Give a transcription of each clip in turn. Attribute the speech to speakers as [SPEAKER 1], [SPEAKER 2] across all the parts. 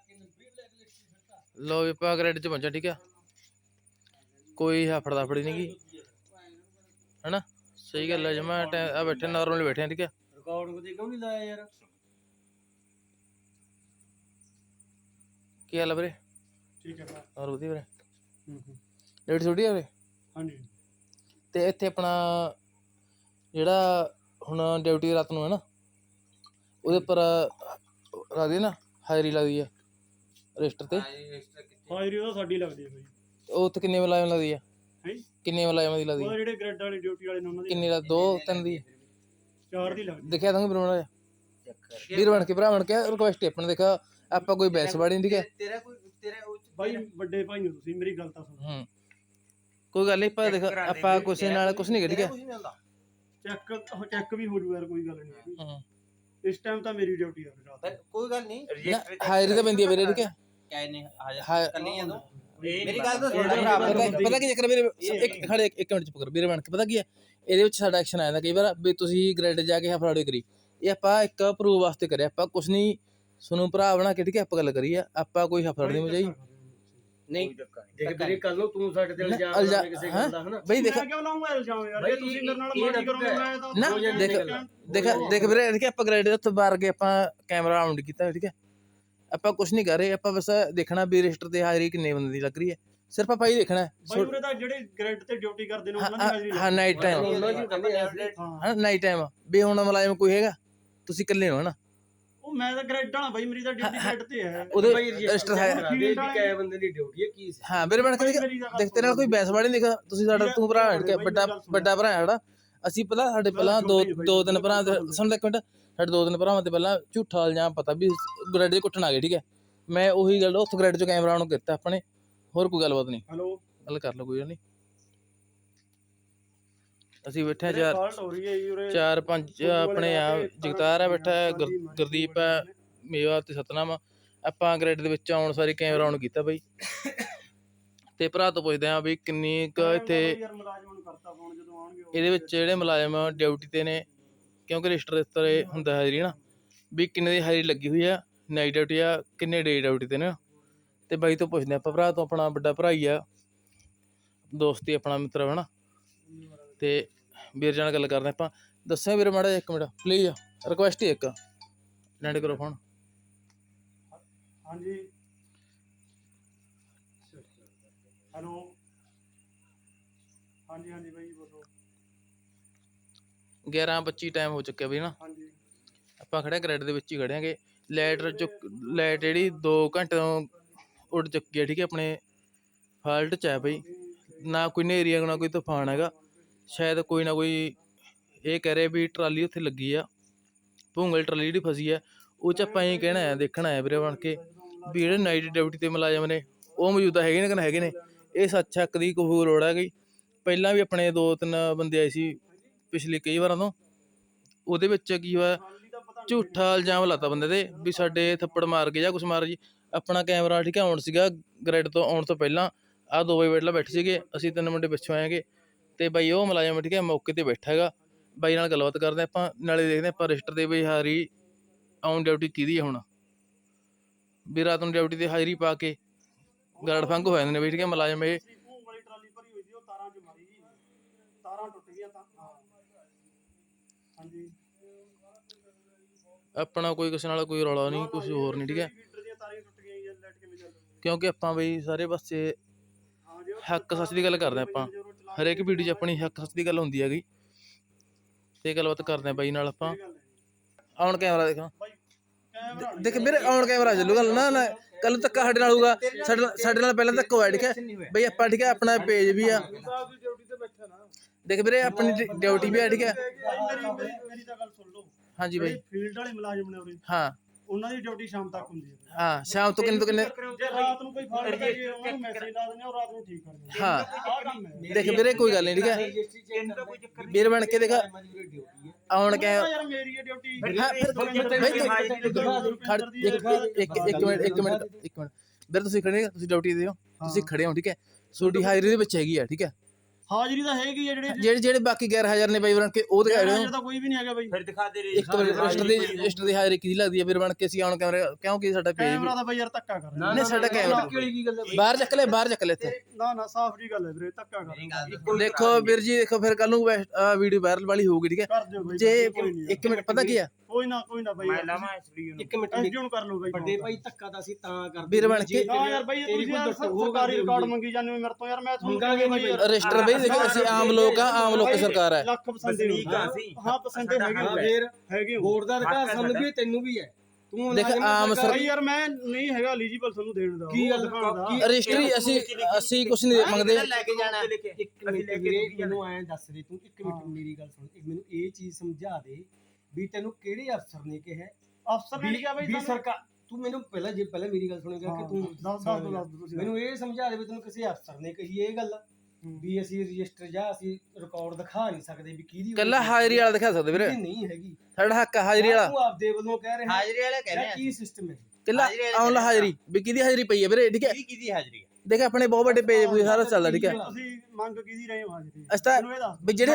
[SPEAKER 1] लो भी ਆਪਾਂ ਗ੍ਰੈਡ 'ਚ ਪਹੁੰਚਾ ਠੀਕ ਆ ਕੋਈ ਹਫੜ ਦਫੜੀ ਨਹੀਂ ਗੀ है ना सही गल है जमा बैठे नॉर्मल बैठे ठीक है
[SPEAKER 2] रिकॉर्ड को क्यों नहीं लाया यार
[SPEAKER 1] की हाल है वीरे
[SPEAKER 2] ठीक है
[SPEAKER 1] और वधिया वीरे ਡੇਟ ਛੋਟੀ ਆ वीरे
[SPEAKER 2] ਹਾਂਜੀ
[SPEAKER 1] ਤੇ ਇੱਥੇ ਆਪਣਾ ਜਿਹੜਾ ਹੁਣ ਡਿਊਟੀ ਰਾਤ ਨੂੰ ਹੈ ਨਾ ਉਹਦੇ ਉੱਪਰ ਲੱਗਦੀ ਨਾ ਹਾਜ਼ਰੀ ਲੱਗਦੀ ਹੈ ਰਜਿਸਟਰ ਤੇ
[SPEAKER 2] ਹਾਜ਼ਰੀ ਉਹ ਸਾਡੀ ਲੱਗਦੀ ਹੈ ਬਾਈ
[SPEAKER 1] ਉਹ ਉੱਥੇ ਕਿੰਨੇ ਮੁਲਾਜ਼ਮ ਲੱਗਦੀ ਹੈ ਕਿੰਨੇ ਮੁਲਾਜ਼ਮਾਂ ਦੀ ਲੱਗਦੀ
[SPEAKER 2] ਉਹ ਜਿਹੜੇ ਗ੍ਰੈਡ ਵਾਲੇ ਡਿਊਟੀ ਵਾਲੇ ਨੇ ਉਹਨਾਂ ਦੀ
[SPEAKER 1] ਕਿੰਨੇ ਦਾ 2 3 ਦੀ
[SPEAKER 2] 4 ਦੀ ਲੱਗਦੀ
[SPEAKER 1] ਦੇਖਿਆ ਤੁਹਾਨੂੰ ਬਣਾਉਣਾ ਵੀਰ ਬਣ ਕੇ ਭਰਾ ਬਣ ਕੇ ਰਿਕੁਐਸਟ ਆਪਣਾ ਦੇਖਾ ਆਪਾਂ ਕੋਈ ਬੈਸ ਬਾੜੀ ਨਹੀਂ ਠੀਕ
[SPEAKER 2] ਤੇਰਾ ਬਾਈ ਵੱਡੇ ਭਾਈ ਹੋ ਤੁਸੀਂ ਮੇਰੀ ਗੱਲ ਤਾਂ ਸੁਣੋ
[SPEAKER 1] ਕੋਈ ਗੱਲ ਨਹੀਂ ਪਰ ਦੇਖ ਆਪਾਂ ਕਿਸੇ ਨਾਲ ਕੁਝ ਨਹੀਂ ਠੀਕ ਹੈ
[SPEAKER 2] ਚੈੱਕ ਵੀ ਹੋ ਜੂ ਯਾਰ ਕੋਈ ਗੱਲ ਨਹੀਂ ਇਸ ਟਾਈਮ ਤਾਂ ਮੇਰੀ ਡਿਊਟੀ ਆ ਰਾਤ
[SPEAKER 3] ਕੋਈ ਗੱਲ ਨਹੀਂ
[SPEAKER 1] ਹਾਜ਼ਰੀ ਤਾਂ ਪੈਂਦੀ ਹੈ ਵੀਰੇ ਠੀਕ ਹੈ
[SPEAKER 3] ਕਹਿ ਨਹੀਂ ਹਾਜ਼ਰ ਕੱਲੀ ਆ ਤੂੰ ਮੇਰੀ ਗੱਲ ਤਾਂ ਸੁਣ ਲੈ
[SPEAKER 1] ਪਤਾ ਕੀ ਚੱਕਰ ਵੀਰੇ ਇੱਕ ਖੜੇ ਇੱਕ ਮਿੰਟ ਚੁੱਪ ਕਰੋ ਵੀਰੇ ਬਣ ਕੇ ਪਤਾ ਕੀ ਹੈ ਇਹਦੇ ਵਿੱਚ ਸਾਡਾ ਐਕਸ਼ਨ ਆਇਆ ਕਈ ਵਾਰ ਵੀ ਤੁਸੀਂ ਗ੍ਰੈਡ ਜਾ ਕੇ ਫਰਾਡੀ ਕਰੀ ਇਹ ਆਪਾਂ ਇੱਕ ਪ੍ਰੂਵ ਵਾਸਤੇ ਕਰਿਆ ਆਪਾਂ ਕੁਝ ਨਹੀਂ ਸੁਣੋ ਭਰਾ ਬਣਾ ਕੇ ਠੀਕ ਹੈ ਆਪਾਂ ਗੱਲ ਕਰੀ ਆ ਆਪਾਂ ਕੋਈ ਹਫੜ ਨਹੀਂ ਮਜਾਈ ਨਹੀਂ
[SPEAKER 2] ਦੇਖ ਵੀਰੇ ਕੱਲ ਨੂੰ ਤੂੰ ਸਾਡੇ ਤੇ ਇਲਜ਼ਾਮ ਲਾ ਕਿਸੇ ਗੱਲ ਦਾ ਹਨਾ
[SPEAKER 1] ਬਈ ਦੇਖ
[SPEAKER 2] ਮੈਂ ਕਿਉਂ ਲਾਉਂਗਾ ਇਲਜ਼ਾਮ ਯਾਰ ਜੇ ਤੁਸੀਂ ਮੇਰੇ ਨਾਲ ਮਾਰੀ ਕਰੋਗੇ ਮੈਂ ਤਾਂ
[SPEAKER 1] ਨਾ ਦੇਖ ਵੀਰੇ ਠੀਕ ਹੈ ਆਪਾਂ ਗ੍ਰੈਡ ਦੇ ਉੱਤੇ ਬਾਹਰ ਕੇ ਆਪਾਂ ਕੈਮਰਾ ਆਨ ਕੀਤਾ ਠੀਕ ਹੈ ਆਪਾਂ ਕੁਝ ਨਹੀਂ ਕਰ ਰਹੇ ਆਪਾਂ ਬਸ ਦੇਖਣਾ ਵੀ ਰਜਿਸਟਰ ਤੇ ਹਾਜ਼ਰੀ ਕਿੰਨੇ ਬੰਦੇ ਦੀ ਲੱਗ ਰਹੀ ਹੈ ਸਿਰਫ ਆਪਾਂ ਹੀ ਦੇਖਣਾ
[SPEAKER 2] ਬਾਈ ਉਰੇ ਤਾਂ ਜਿਹੜੇ ਗ੍ਰੈਡ ਤੇ ਡਿਊਟੀ ਕਰਦੇ ਨੇ ਉਹਨਾਂ ਦੀ ਹਾਜ਼ਰੀ
[SPEAKER 1] ਹਾਂ ਨਾਈਟ ਟਾਈਮ ਹਾਂ ਨਾਈਟ ਟਾਈਮ ਵੀ ਹੁਣ ਮੁਲਾਜ਼ਮ ਕੋਈ ਹੈਗਾ ਤੁਸੀਂ ਇਕੱਲੇ ਹੋ ਹਨਾ
[SPEAKER 2] ਉਹ ਮੈਂ ਤਾਂ ਗ੍ਰੈਡ ਵਾਲਾ ਬਾਈ ਮੇਰੀ ਤਾਂ ਡਿਊਟੀ ਗ੍ਰੈਡ ਤੇ ਹੈ
[SPEAKER 1] ਉਹਦੇ ਰਜਿਸਟਰ ਹੈ
[SPEAKER 2] ਕਿੰਨੇ ਬੰਦੇ ਦੀ ਡਿਊਟੀ ਹੈ ਕੀ
[SPEAKER 1] ਹਾਂ ਮੇਰੇ ਬਣ ਕੇ ਦੇਖ ਤੇਰੇ ਨਾਲ ਕੋਈ ਬੈਸ ਵਾੜੀ ਨਹੀਂ ਦੇਖਾ ਤੁਸੀਂ ਸਾਡਾ ਤੂੰ ਭਰਾ ਹਟ ਕੇ ਵੱਡਾ ਭਰਾ ਹੈ ਸਾਡਾ ਅਸੀਂ ਪਤਾ ਸਾਡੇ ਪਹਿਲਾਂ ਦੋ ਤਿੰਨ ਭਰਾ ਸੁਣ ਇੱਕ ਮਿੰਟ ਸਾਡੇ 2-3 ਭਰਾਵਾਂ ਤੇ ਪਹਿਲਾਂ ਝੂਠਾ ਇਲਜ਼ਾਮ ਪਤਾ ਵੀ ਗ੍ਰੈਡ 'ਚ ਕੁੱਟਣ ਆ ਗਏ ਠੀਕ ਹੈ ਮੈਂ ਉਹੀ ਗੱਲ ਉੱਥੇ ਗ੍ਰੈਡ 'ਚ ਕੈਮਰਾ ਆਨ ਕੀਤਾ ਆਪਣੇ ਹੋਰ ਕੋਈ ਗੱਲਬਾਤ ਨਹੀਂ
[SPEAKER 2] ਹੈਲੋ
[SPEAKER 1] ਗੱਲ ਕਰ ਲਓ ਕੋਈ ਗੱਲ ਨਹੀਂ ਅਸੀਂ ਬੈਠੇ ਚਾਰ ਪੰਜ ਆਪਣੇ ਆ ਜਗਤਾਰ ਹੈ ਬੈਠਾ ਗੁਰਦੀਪ ਹੈ ਮੇਵਾ ਤੇ ਸਤਨਾਮ ਆਪਾਂ ਗ੍ਰੈਡ ਦੇ ਵਿੱਚ ਆਉਣ ਸਾਰੀ ਕੈਮਰਾ ਆਨ ਕੀਤਾ ਬਾਈ ਤੇ ਭਰਾ ਤੋਂ ਪੁੱਛਦੇ ਆ ਵੀ ਕਿੰਨੀ ਕੁ ਇੱਥੇ ਇਹਦੇ ਵਿੱਚ ਜਿਹੜੇ ਮੁਲਾਜ਼ਮ ਡਿਊਟੀ ਤੇ ਨੇ ਕਿਉਂਕਿ ਰਜਿਸਟਰ ਇਸ ਤਰ੍ਹਾਂ ਹੁੰਦਾ ਹਾਜ਼ਰੀ ਨਾ ਵੀ ਕਿੰਨੇ ਦੀ ਹਾਜ਼ਰੀ ਲੱਗੀ ਹੋਈ ਆ ਨਾਈਟ ਡਿਊਟੀ ਆ ਕਿੰਨੇ ਡੇ ਡਿਊਟੀ ਤੇ ਨੇ ਤੇ ਬਾਈ ਤੋਂ ਪੁੱਛਦੇ ਆਪਾਂ ਭਰਾ ਤੋਂ ਆਪਣਾ ਵੱਡਾ ਭਰਾ ਹੀ ਆ ਦੋਸਤੀ ਆਪਣਾ ਮਿੱਤਰ ਹੈ ਨਾ ਤੇ ਵੀਰ ਜੀ ਨਾਲ ਗੱਲ ਕਰਦੇ ਆਪਾਂ ਦੱਸਿਆ ਵੀਰ ਮਾੜਾ ਇੱਕ ਮਿੰਟ ਪਲੀਜ਼ ਰਿਕੁਐਸਟ ਹੀ ਇੱਕ ਲੈਂਡ ਕਰੋ ਫੋਨ
[SPEAKER 2] ਹਾਂਜੀ ਹੈਲੋ ਹਾਂਜੀ ਹਾਂਜੀ ਬਾਈ ਬੋਲੋ
[SPEAKER 1] 11:25 ਟਾਈਮ ਹੋ ਚੁੱਕਿਆ ਬਈ ਨਾ
[SPEAKER 2] ਹਾਂਜੀ
[SPEAKER 1] ਆਪਾਂ ਖੜੇ ਗ੍ਰੈਡ ਦੇ ਵਿੱਚ ਹੀ ਖੜਿਆਂਗੇ ਲਾਈਟ ਜਿਹੜੀ 2 ਘੰਟੇ ਤੋਂ ਉੱਡ ਚੁੱਕੀ ਹੈ ਠੀਕ ਹੈ ਆਪਣੇ ਫਾਲਟ 'ਚ ਹੈ ਬਈ ਨਾ ਕੋਈ ਹਨੇਰੀ ਨਾ ਕੋਈ ਤੂਫਾਨ ਹੈਗਾ ਸ਼ਾਇਦ ਕੋਈ ਨਾ ਕੋਈ ਇਹ ਕਹਿ ਰਿਹਾ ਵੀ ਟਰਾਲੀ ਉੱਥੇ ਲੱਗੀ ਆ ਭੂੰਗਲ ਟਰਾਲੀ ਜਿਹੜੀ ਫਸੀ ਹੈ ਉਹ 'ਚ ਆਪਾਂ ਇਹ ਕਹਿਣਾ ਹੈ ਦੇਖਣਾ ਹੈ ਵੀਰੇ ਬਣ ਕੇ ਵੀ ਜਿਹੜੇ ਨਾਈਟ ਡਿਊਟੀ 'ਤੇ ਮੁਲਾਜ਼ਮ ਨੇ ਉਹ ਮੌਜੂਦਾ ਹੈਗੇ ਨੇ ਕਿ ਨਾ ਹੈਗੇ ਨੇ ਇਹ ਸੱਚ ਹੱਕ ਦੀ ਕੋਈ ਲੋੜ ਹੈ ਗਈ ਪਹਿਲਾਂ ਵੀ ਆਪਣੇ 2-3 ਬੰਦੇ ਆਏ ਸੀ ਪਿਛਲੇ ਕਈ ਵਾਰਾਂ ਤੋਂ ਉਹਦੇ ਵਿੱਚ ਕੀ ਹੋਇਆ ਝੂਠਾ ਇਲਜ਼ਾਮ ਲਾਤਾ ਬੰਦੇ ਤੇ ਵੀ ਸਾਡੇ ਥੱਪੜ ਮਾਰ ਕੇ ਜਾਂ ਕੁਛ ਮਾਰ ਜੀ ਆਪਣਾ ਕੈਮਰਾ ਠੀਕ ਹੈ ਆਉਣ ਸੀਗਾ ਗ੍ਰੈਡ ਤੋਂ ਆਉਣ ਤੋਂ ਪਹਿਲਾਂ ਆਹ 2 ਵਜੇ ਵੇਲੇ ਬੈਠੇ ਸੀਗੇ ਅਸੀਂ 3 ਮੁੰਡੇ ਪਿੱਛੋਂ ਆਏਗੇ ਤੇ ਬਾਈ ਉਹ ਮੁਲਾਜ਼ਮ ਠੀਕ ਹੈ ਮੌਕੇ ਤੇ ਬੈਠਾ ਹੈਗਾ ਬਾਈ ਨਾਲ ਗੱਲਬਾਤ ਕਰਦੇ ਆਪਾਂ ਨਾਲੇ ਦੇਖਦੇ ਆਪਾਂ ਰਜਿਸਟਰ ਦੇ ਬਈ ਹਾਜ਼ਰੀ ਆਨ ਡਿਊਟੀ ਕਿਹਦੀ ਹੈ ਹੁਣ ਵੀ ਰਾਤ ਨੂੰ ਡਿਊਟੀ ਤੇ ਹਾਜ਼ਰੀ ਪਾ ਕੇ ਗਰੜ ਫੰਗ ਹੋ ਜਾਂਦੇ ਨੇ ਬਈ ਠੀਕ ਹੈ ਮੁਲਾਜ਼ਮ ਇਹ
[SPEAKER 2] ਟਰਾਲੀ ਭਰੀ ਹੋਈ ਸੀ ਉਹ ਤਾਰਾਂ 'ਚ ਮਾਰੀ ਜੀ ਤਾਰਾਂ ਟੁੱਟ ਗਈਆਂ ਤਾਂ ਹਾਂਜੀ
[SPEAKER 1] ਆਪਣਾ ਕੋਈ ਕਿਸੇ ਨਾਲ ਕੋਈ ਰੌਲਾ ਨਹੀਂ ਕੁਛ ਹੋਰ ਨਹੀਂ ਠੀਕ ਹੈ ਕਿਉਂਕਿ ਆਪਾਂ ਬਈ ਸਾਰੇ ਪਾਸੇ ਹੱਕ ਸੱਚ ਦੀ ਗੱਲ ਕਰਦੇ ਆਪਾਂ ਹਰੇਕ ਵੀਡੀਓ 'ਚ ਆਪਣੀ ਹੱਕ ਸੱਚ ਦੀ ਗੱਲ ਹੁੰਦੀ ਹੈਗੀ ਤੇ ਗੱਲਬਾਤ ਕਰਦੇ ਆ ਬਾਈ ਨਾਲ ਆਪਾਂ ਆਨ ਕੈਮਰਾ ਦੇਖਾਂ ਦੇਖ ਵੀਰੇ ਆਨ ਕੈਮਰਾ ਚੱਲੂਗਾ ਨਾ ਕੱਲ ਧੱਕਾ ਸਾਡੇ ਨਾਲ ਹੋਊਗਾ ਸਾਡੇ ਨਾਲ ਪਹਿਲਾਂ ਧੱਕਾ ਹੋਇਆ ਠੀਕ ਹੈ ਬਈ ਆਪਾਂ ਠੀਕ ਹੈ ਆਪਣਾ ਪੇਜ ਵੀ ਆ ਦੇਖ ਵੀਰੇ ਆਪਣੀ ਡਿਊਟੀ ਵੀ ਆ ਠੀਕ ਹੈ
[SPEAKER 2] ਮੇਰੀ ਤਾਂ ਗੱਲ ਸੁਣ ਲਓ
[SPEAKER 1] ਹਾਂਜੀ ਬਾਈ
[SPEAKER 2] ਫੀਲਡ ਵਾਲੇ ਮੁਲਾਜ਼ਮ ਨੇ ਉਰੇ
[SPEAKER 1] ਹਾਂ
[SPEAKER 2] ਉਹਨਾਂ ਦੀ ਡਿਊਟੀ ਸ਼ਾਮ ਤੱਕ ਹੁੰਦੀ ਹੈ
[SPEAKER 1] ਹਾਂ ਸ਼ਾਮ ਤੋਂ ਕਿੰਨੇ
[SPEAKER 2] ਜੇ ਰਾਤ ਨੂੰ ਕੋਈ ਫਾਲਟ ਪੈ ਜੇ ਉਹਨਾਂ ਨੂੰ ਮੈਸੇਜ ਲਾ ਦਿੰਦੇ ਆ ਉਹ ਰਾਤ ਨੂੰ ਠੀਕ ਕਰ ਦਿੰਦੇ
[SPEAKER 1] ਹਾਂ
[SPEAKER 2] ਆਹ ਕੰਮ ਹੈ ਦੇਖ
[SPEAKER 1] ਵੀਰੇ ਕੋਈ ਗੱਲ ਨਹੀਂ ਠੀਕ ਹੈ ਵੀਰ ਬਣ ਕੇ ਦੇਖ ਆਉਣ ਕੇ
[SPEAKER 2] ਯਾਰ ਮੇਰੀ ਇਹ ਡਿਊਟੀ
[SPEAKER 1] ਇੱਕ ਮਿੰਟ ਵੀਰ ਤੁਸੀਂ ਖੜੇ ਤੁਸੀਂ ਡਿਊਟੀ ਦੇ ਹੋ ਤੁਸੀਂ ਖੜੇ ਹੋ ਠੀਕ ਹੈ ਤੁਹਾਡੀ ਹਾਜ਼ਰੀ ਦੇ ਵਿੱਚ ਹੈਗੀ ਆ ਠੀਕ ਹੈ
[SPEAKER 2] ਹਾਜ਼ਰੀ ਤਾਂ ਹੈਗੀ ਆ
[SPEAKER 1] ਜਿਹੜੇ ਬਾਕੀ ਗੈਰ ਹਾਜ਼ਰ ਨੇ ਬਾਈ ਬਣ ਕੇ ਉਹ ਦਿਖਾ ਰਹੇ
[SPEAKER 2] ਤਾਂ ਕੋਈ ਵੀ ਨਹੀਂ ਹੈਗਾ ਬਾਈ।
[SPEAKER 3] ਫਿਰ ਦਿਖਾ ਦੇ
[SPEAKER 1] ਇੱਕ ਰਜਿਸਟਰ ਦੀ ਹਾਜ਼ਰੀ ਕਿਹਦੀ ਲੱਗਦੀ ਹੈ ਵੀਰ ਬਣ ਕੇ ਅਸੀਂ ਆਨ ਕੈਮਰੇ ਕਿਉਂਕਿ ਸਾਡਾ ਪੇਜ
[SPEAKER 2] ਕੈਮਰਾ ਤਾਂ ਬਾਈ ਯਾਰ ਧੱਕਾ ਕਰ ਰਿਹਾ।
[SPEAKER 1] ਨਹੀਂ ਸਾਡਾ ਕੈਮਰਾ ਬਾਹਰ ਚੱਕ ਲੈ ਇੱਥੇ
[SPEAKER 2] ਨਾ ਸਾਫ਼ ਜੀ ਗੱਲ ਹੈ ਵੀਰੇ, ਧੱਕਾ ਕਰ ਰਿਹਾ।
[SPEAKER 1] ਦੇਖੋ ਵੀਰ ਜੀ ਦੇਖੋ ਫਿਰ ਕੱਲ ਨੂੰ ਵੀਡੀਓ ਵਾਇਰਲ ਵਾਲੀ ਹੋਊਗੀ ਠੀਕ ਹੈ
[SPEAKER 2] ਕਰ ਦਿਓ ਬਾਈ
[SPEAKER 1] ਜੇ 1 ਮਿੰਟ ਪਤਾ ਕੀ ਆ
[SPEAKER 2] ਕੋਈ ਨਾ ਬਾਈ
[SPEAKER 3] ਮੈਂ ਲਾਵਾਂ ਐਸਡੀ ਨੂੰ
[SPEAKER 4] 1 ਮਿੰਟ
[SPEAKER 2] ਐਸਡੀਓ ਨੂੰ ਕਰ ਲਓ ਬਾਈ।
[SPEAKER 4] ਵੱਡੇ ਭਾਈ ਧੱਕਾ ਤਾਂ ਅਸੀਂ ਤਾਂ ਕਰਦੇ
[SPEAKER 1] ਵੀਰ ਬਣ ਕੇ
[SPEAKER 2] ਨਾ ਯਾਰ ਬਾਈ ਤੁਸੀਂ ਯਾਰ ਸਰਕਾਰੀ ਰਿਕਾਰਡ ਮੰਗੀ ਜਾਂਦੇ ਹੋ ਮੇਰੇ ਤੋਂ ਯਾਰ, ਮੈਂ
[SPEAKER 4] ਮੰਗਾਂਗੇ
[SPEAKER 2] ਬਾਈ ਯਾਰ
[SPEAKER 1] ਰਜਿਸਟਰ ਬਈ ਦੇਖੋ ਅਸੀਂ ਆਮ ਲੋਕ ਆ, ਆਮ ਲੋਕ ਸਰਕਾਰ ਹੈ।
[SPEAKER 2] ਲੱਖ ਪਸੰਦੇ ਹਾਂ ਪਸੰਦੇ ਹੈਗੇ ਹੋ।
[SPEAKER 4] ਵੋਟ ਦਾ ਅਧਿਕਾਰ ਸਾਨੂੰ ਵੀ ਤੈਨੂੰ ਵੀ ਹੈ। ਤੂੰ
[SPEAKER 1] ਦੇਖ ਆਮ
[SPEAKER 2] ਬਾਈ ਯਾਰ ਮੈਂ ਨਹੀਂ ਹੈਗਾ ਐਲੀਜੀਬਲ ਤੁਹਾਨੂੰ ਦੇਣ ਦਾ।
[SPEAKER 4] ਕੀ ਗੱਲ
[SPEAKER 1] ਰਜਿਸਟਰੀ ਅਸੀਂ ਕੁਝ ਨਹੀਂ ਮੰਗਦੇ।
[SPEAKER 3] ਲੈ ਕੇ ਜਾਣਾ
[SPEAKER 4] 1 ਮਿੰਟ ਵੀਰੇ ਮੈਨੂੰ ਐਂ ਦੱਸ ਦੇ ਤੂੰ 1 ਮਿੰਟ ਮੇਰੀ ਗੱਲ ਸੁਣ, ਮੈਨੂੰ ਇਹ ਚੀਜ਼ ਸਮਝਾ ਦੇ ਵੀ ਤੈਨੂੰ ਕਿਹੜੇ ਅਫਸਰ ਨੇ ਕਿਹਾ
[SPEAKER 2] ਅਫਸਰ ਨੇ ਕਿਹਾ ਬਾਈ
[SPEAKER 4] ਵੀ ਸਰਕਾਰ ਤੂੰ ਮੈਨੂੰ ਪਹਿਲਾਂ ਮੇਰੀ ਗੱਲ ਸੁਣੇਗਾ ਕਿ ਤੂੰ
[SPEAKER 2] ਦੱਸ ਦੋ ਤੁਸੀਂ
[SPEAKER 4] ਮੈਨੂੰ ਇਹ ਸਮਝਾ ਦੇ ਵੀ ਤੈਨੂੰ ਕਿਸੇ ਅਫਸਰ ਨੇ ਕਹੀ ਇਹ ਗੱਲ ਵੀ ਅਸੀਂ ਰਜਿਸਟਰ ਜਾਂ ਅਸੀਂ ਰਿਕਾਰਡ ਦਿਖਾ ਨਹੀਂ ਸਕਦੇ ਵੀ ਕਿਹਦੀ
[SPEAKER 1] ਕੱਲਾ ਹਾਜ਼ਰੀ ਵਾਲਾ ਦਿਖਾ ਸਕਦੇ ਵੀਰੇ,
[SPEAKER 4] ਨਹੀਂ ਹੈਗੀ
[SPEAKER 1] ਸਾਡਾ ਹੱਕ ਹਾਜ਼ਰੀ ਵਾਲਾ।
[SPEAKER 4] ਤੂੰ ਆਪਦੇ ਵੱਲੋਂ ਕਹਿ ਰਿਹਾ
[SPEAKER 3] ਹਾਜ਼ਰੀ ਵਾਲੇ ਕਹਿੰਦੇ ਆ
[SPEAKER 4] ਕੀ ਸਿਸਟਮ ਹੈ
[SPEAKER 1] ਕੱਲਾ ਆਨਲਾਈਨ ਹਾਜ਼ਰੀ ਵੀ ਕਿਹਦੀ ਹਾਜ਼ਰੀ ਪਈ ਹੈ ਵੀਰੇ ਠੀਕ ਹੈ।
[SPEAKER 3] ਕਿਹਦੀ ਹਾਜ਼ਰੀ
[SPEAKER 1] ਦੇਖ ਆਪਣੇ ਬਹੁਤ ਵੱਡੇ ਪੇਜ ਪੂਜ ਸਾਰਾ ਚੱਲਦਾ ਠੀਕ ਹੈ।
[SPEAKER 2] ਤੁਸੀਂ ਮੰਗ ਕਿਹਦੀ ਰਹੇ ਹੋ ਹਾਜ਼ਰੀ?
[SPEAKER 1] ਅਸੀਂ ਤਾਂ ਵੀ ਜਿਹੜੇ